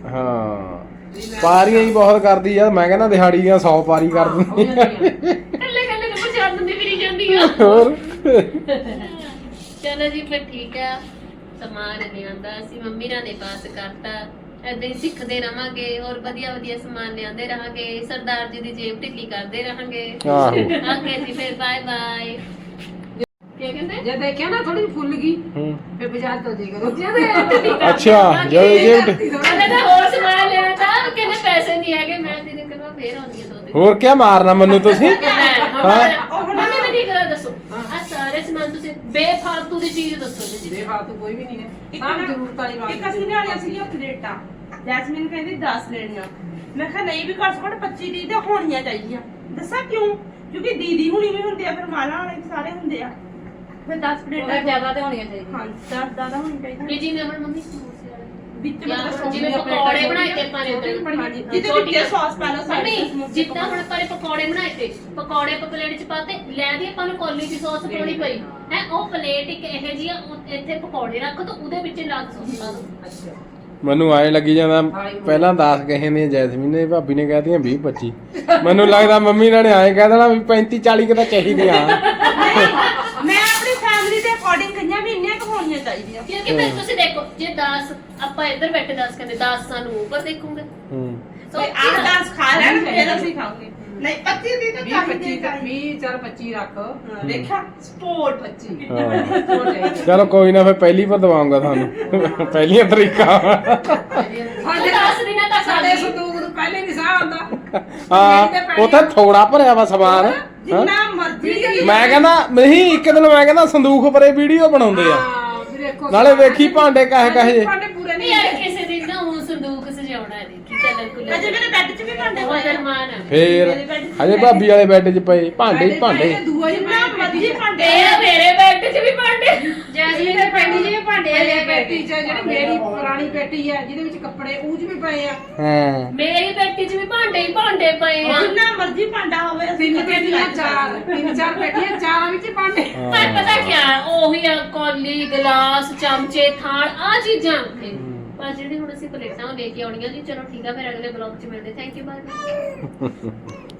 ਹਾਂ ਪਾਰੀਆਂ ਹੀ ਬਹੁਤ ਕਰਦੀ ਆ, ਮੈਂ ਕਹਿੰਦਾ ਦਿਹਾੜੀ ਦੀਆਂ 100 ਪਾਰੀ ਕਰ ਦਿੰਦੀ ਆ। ਕੱਲੇ ਕੱਲੇ ਨੂੰ ਬਚਾ ਦਿੰਦੀ ਫਿਰੀ ਜਾਂਦੀ ਆ। ਹੋਰ ਚਲੋ ਜੀ ਫਿਰ ਠੀਕ ਆ, ਸਮਾਨ ਲਿਆਂਦਾ ਅਸੀਂ ਮੰਮੀ ਨਾਲ ਨੇ ਪਾਸ ਕਰਤਾ, ਏਦਾਂ ਹੀ ਸਿੱਖਦੇ ਰਵਾਂਗੇ, ਹੋਰ ਵਧੀਆ ਵਧੀਆ ਸਮਾਨ ਲਿਆਂਦੇ ਰਹਾਂਗੇ, ਸਰਦਾਰ ਜੀ ਦੀ ਜੇਬ ਢਿੱਲੀ ਕਰਦੇ ਰਹਾਂਗੇ। ਆਹੋ ਓਕੇ ਜੀ ਫਿਰ ਬਾਏ ਬਾਏ। ਕੀ ਕਹਿੰਦੇ? ਜੇ ਦੇਖਿਆ ਨਾ ਥੋੜੀ ਫੁੱਲ ਗਈ ਹੂੰ। ਫਿਰ ਬਾਜ਼ਾਰ ਤੋਂ ਜੇ ਕਰੋ ਅੱਛਾ ਜਦੋਂ ਜੇ ਕਹਿੰਦੇ ਤਾਂ ਹੋਰ ਸਮਾਨ ਲੈਣਾ ਤਾਂ ਕਹਿੰਦੇ ਪੈਸੇ ਨਹੀਂ ਹੈਗੇ, ਮੈਂ ਦੀਦੀ ਕਹਿੰਦਾ ਫੇਰ ਆਉਂਦੀ ਹੈ 2 ਦਿਨ। ਹੋਰ ਕੀ ਮਾਰਨਾ ਮੈਨੂੰ ਤੁਸੀਂ? ਮੰਮੀ ਮੈਨੂੰ ਇੱਕ ਗੱਲ ਦੱਸੋ, ਆ ਸਾਰੇ ਸਮਾਨ ਤੁਸੀਂ ਬੇਫਾਲਤੂ ਦੀ ਚੀਜ਼ ਦੱਸੋ ਜੀ। ਬੇਫਾਲਤੂ ਕੋਈ ਵੀ ਨਹੀਂ ਹੈ, ਇੱਕ ਸਭ ਨਾ- ਜ਼ਰੂਰਤ ਵਾਲੀ ਬਾਤ ਇੱਕ ਅਸੀਂ ਲਿਆਣੀਆਂ ਸੀਗੀਆਂ ਪਲੇਟਾਂ, ਜੈਸਮੀਨ ਕਹਿੰਦੀ 10 ਲੈਣੀਆਂ, ਮੈਂ ਕਿਹਾ ਨਹੀਂ ਵੀ ਘੱਟ ਤੋਂ ਘੱਟ 25 ਦੀ ਤਾਂ ਹੋਣੀਆਂ ਚਾਹੀਦੀਆਂ। ਦੱਸਾਂ ਕਿਉਂ? ਕਿਉਂਕਿ ਦੀਦੀ ਹੁਣੀ ਵੀ ਹੁੰਦੇ ਆ, ਫਿਰ ਮਾਲਾ ਵਾਲੇ ਵੀ ਸਾਰੇ ਹੁੰਦੇ ਆ, ਫਿਰ 10 ਪਲੇਟਾਂ ਜ਼ਿਆਦਾ ਤੇ ਹੋਣੀਆਂ ਚਾਹੀਦੀਆਂ। ਹਾਂ 10 ਜ਼ਿਆਦਾ ਹੋਣੀ ਚਾਹੀਦੀਆਂ ਵੀ ਜਿਵੇਂ ਹੁਣ ਮੰਮੀ ਸਮੋਸੇ ਵਾਲੇ ਵਿੱਚ ਜਾਂ ਮਤਲਬ ਜਿਵੇਂ ਪਕੌੜੇ ਬਣਾਏ ਤੇ ਆਪਾਂ ਨੇ ਉਦੋਂ ਹਾਂਜੀ, ਜਿਹਦੇ ਵਿੱਚ ਸੌਸ ਪਾ ਲਓ ਮੰਮੀ ਸਾਰੇ ਜਿੱਦਾਂ ਹੁਣ ਆਪਾਂ ਨੇ ਪਕੌੜੇ ਬਣਾਏ ਤੇ ਪਕੌੜੇ ਆਪਾਂ ਪਲੇਟ 'ਚ ਪਾਤੇ, ਲੈ ਦੀ ਆਪਾਂ ਨੂੰ ਕੌਲੀ 'ਚ ਸੌਸ ਪਾਉਣੀ ਪਈ ਹੈ, ਉਹ ਪਲੇਟ ਇੱਕ ਇਹੋ ਜਿਹੀ ਆ, ਇੱਥੇ ਪਕੌੜੇ ਰੱਖ ਦੋ, ਉਹਦੇ ਵਿੱਚ ਲੱਗ ਸੌਸ ਪਾ ਦੋ। ਅੱਛਾ ਮੈਨੂੰ ਆਏ ਲੱਗੀ ਜਾਂਦਾ, ਪਹਿਲਾਂ 10 ਕਹੇ ਨੇ ਜੈਸਮੀਨ ਨੇ, ਭਾਬੀ ਨੇ ਕਹਿਤੀਆਂ 20 25। ਮੈਨੂੰ ਲੱਗਦਾ ਮੰਮੀ ਨੇ ਐਂ ਕਹਿ ਦੇਣਾ ਵੀ 35 40 ਕਿਤਾ ਚਾਹੀਦੀਆਂ। ਮੈਂ ਆਪਣੀ ਫੈਮਿਲੀ ਦੇ ਅਕੋਰਡਿੰਗ ਕਹੀਆਂ ਵੀ ਇੰਨੀਆਂ ਕੁ ਹੋਣੀਆਂ ਚਾਹੀਦੀਆਂ। ਕਿਉਂਕਿ ਫਿਰ ਤੁਸੀਂ ਦੇਖੋ ਜੇ 10 ਆਪਾਂ ਇੱਧਰ ਬੈਠੇ 10 ਕਹਿੰਦੇ 10 ਸਾਨੂੰ ਉੱਪਰ ਦੇਖੂਗੇ, ਹੂੰ ਸੋ ਤੇ ਆਹ 10 ਖਾ ਲੈਣ ਫਿਰ ਅਸੀਂ ਖਾਵਾਂਗੇ। ਨਹੀਂ 25 ਦੀ ਤਾਂ 20 ਚਾਹੀਦੀ 25 20 ਚੱਲ 25 ਰੱਖ, ਦੇਖਿਆ ਸਪੋਰਟ 25 ਹਾਂ ਚਲੋ ਕੋਈ ਨਾ, ਫਿਰ ਪਹਿਲੀ ਪਰ ਦਵਾਉਂਗਾ ਤੁਹਾਨੂੰ ਪਹਿਲੀਆਂ ਤਰੀਕਾ। ਸਾਡੇ 10 ਦਿਨਾਂ ਤੱਕ ਸਾਡੇ ਸੰਦੂਕ ਨੂੰ ਪਹਿਲੇ ਨਹੀਂ ਸਾਹ ਆਉਂਦਾ। ਹਾਂ ਉੱਥੇ ਥੋੜਾ ਭਰਿਆ ਵਾ ਸਮਾਨ। ਜਿੰਨਾ ਮਰਜ਼ੀ ਮੈਂ ਕਹਿੰਦਾ ਨਹੀਂ, ਇੱਕ ਦਿਨ ਮੈਂ ਕਹਿੰਦਾ ਸੰਦੂਖ ਪਰੇ ਵੀਡੀਓ ਬਣਾਉਂਦੇ ਆ, ਹਾਂ ਵੀ ਦੇਖੋ ਨਾਲੇ ਵੇਖੀ ਭਾਂਡੇ ਕਾਹੇ ਕਾਹੇ ਜੇ। ਭਾਂਡੇ ਪੂਰੇ ਨਹੀਂ ਨਹੀਂ ਯਾਰ ਕਿਸੇ ਦਿਨ ਨਾ ਉਹ ਸੰਦੂਕ ਸਜਾਉਣਾ ਹੈ, ਦੇਖੀ ਚੱਲ ਕੁੱਲੇ ਅਜੇ ਮੇਰੇ ਬੈੱਡ 'ਚ ਵੀ ਭਾਂਡੇ ਬਹੁਤ ਪਏ ਆ। ਅਰਮਾਨ ਆ। ਫੇਰ ਹਜੇ ਭਾਬੀ ਵਾਲੇ ਬੈੱਡ 'ਚ ਪਏ ਭਾਂਡੇ ਹੀ ਭਾਂਡੇ। ਦੂਆ ਹੀ ਜਿੰਨਾ ਮਰਜ਼ੀ ਭਾਂਡੇ ਤੇਰਾ ਮੇਰੇ ਬੈੱਡ 'ਚ ਵੀ ਭਾਂਡੇ। ਜੈਸਮੀਨ ਦੇ ਪੈਂਡੀ ਜੀ ਵੀ ਭਾਂਡੇ ਆ ਇਹ ਪੇਟੀ ਚ ਜਿਹੜੀ ਮੇਰੀ ਪੁਰਾਣੀ ਪੇਟੀ ਹੈ ਜਿਹਦੇ ਵਿੱਚ ਕੱਪੜੇ ਉਹ 'ਚ ਵੀ ਪਏ ਆ। ਹਾਂ ਮੇਰੀ ਬੈੱਡ 'ਚ ਵੀ ਭਾਂਡੇ ਹੀ ਭਾਂਡੇ ਪਏ ਆ। ਜਿੰਨਾ ਮਰਜ਼ੀ ਭਾਂਡਾ ਹੋਵੇ ਅਸੀਂ ਤਿੰਨ ਕਦੇ ਨਹੀਂ ਪੇਟੀਆਂ ਲੱਗ ਚਾਰ, ਤਿੰਨ ਚਾਰ ਪੇਟੀਆਂ, ਚਾਰਾਂ ਵਿੱਚ ਭਾਂਡੇ। ਪਰ ਪਤਾ ਕਿਆ ਉਹੀ ਆ, ਕੌਲੀ ਗਲਾਸ ਚਮਚੇ ਥਾਲ ਆ ਚੀਜ਼ਾਂ ਉੱਥੇ, ਪਰ ਜਿਹੜੀ ਹੁਣ ਅਸੀਂ ਪਲੇਟਾਂ ਉਹ ਲੈ ਕੇ ਆਉਣੀਆਂ ਜੀ। ਚਲੋ ਠੀਕ ਆ, ਫਿਰ ਅਗਲੇ ਬਲੌਗ 'ਚ ਮਿਲਦੇ। Thank you, bye bye.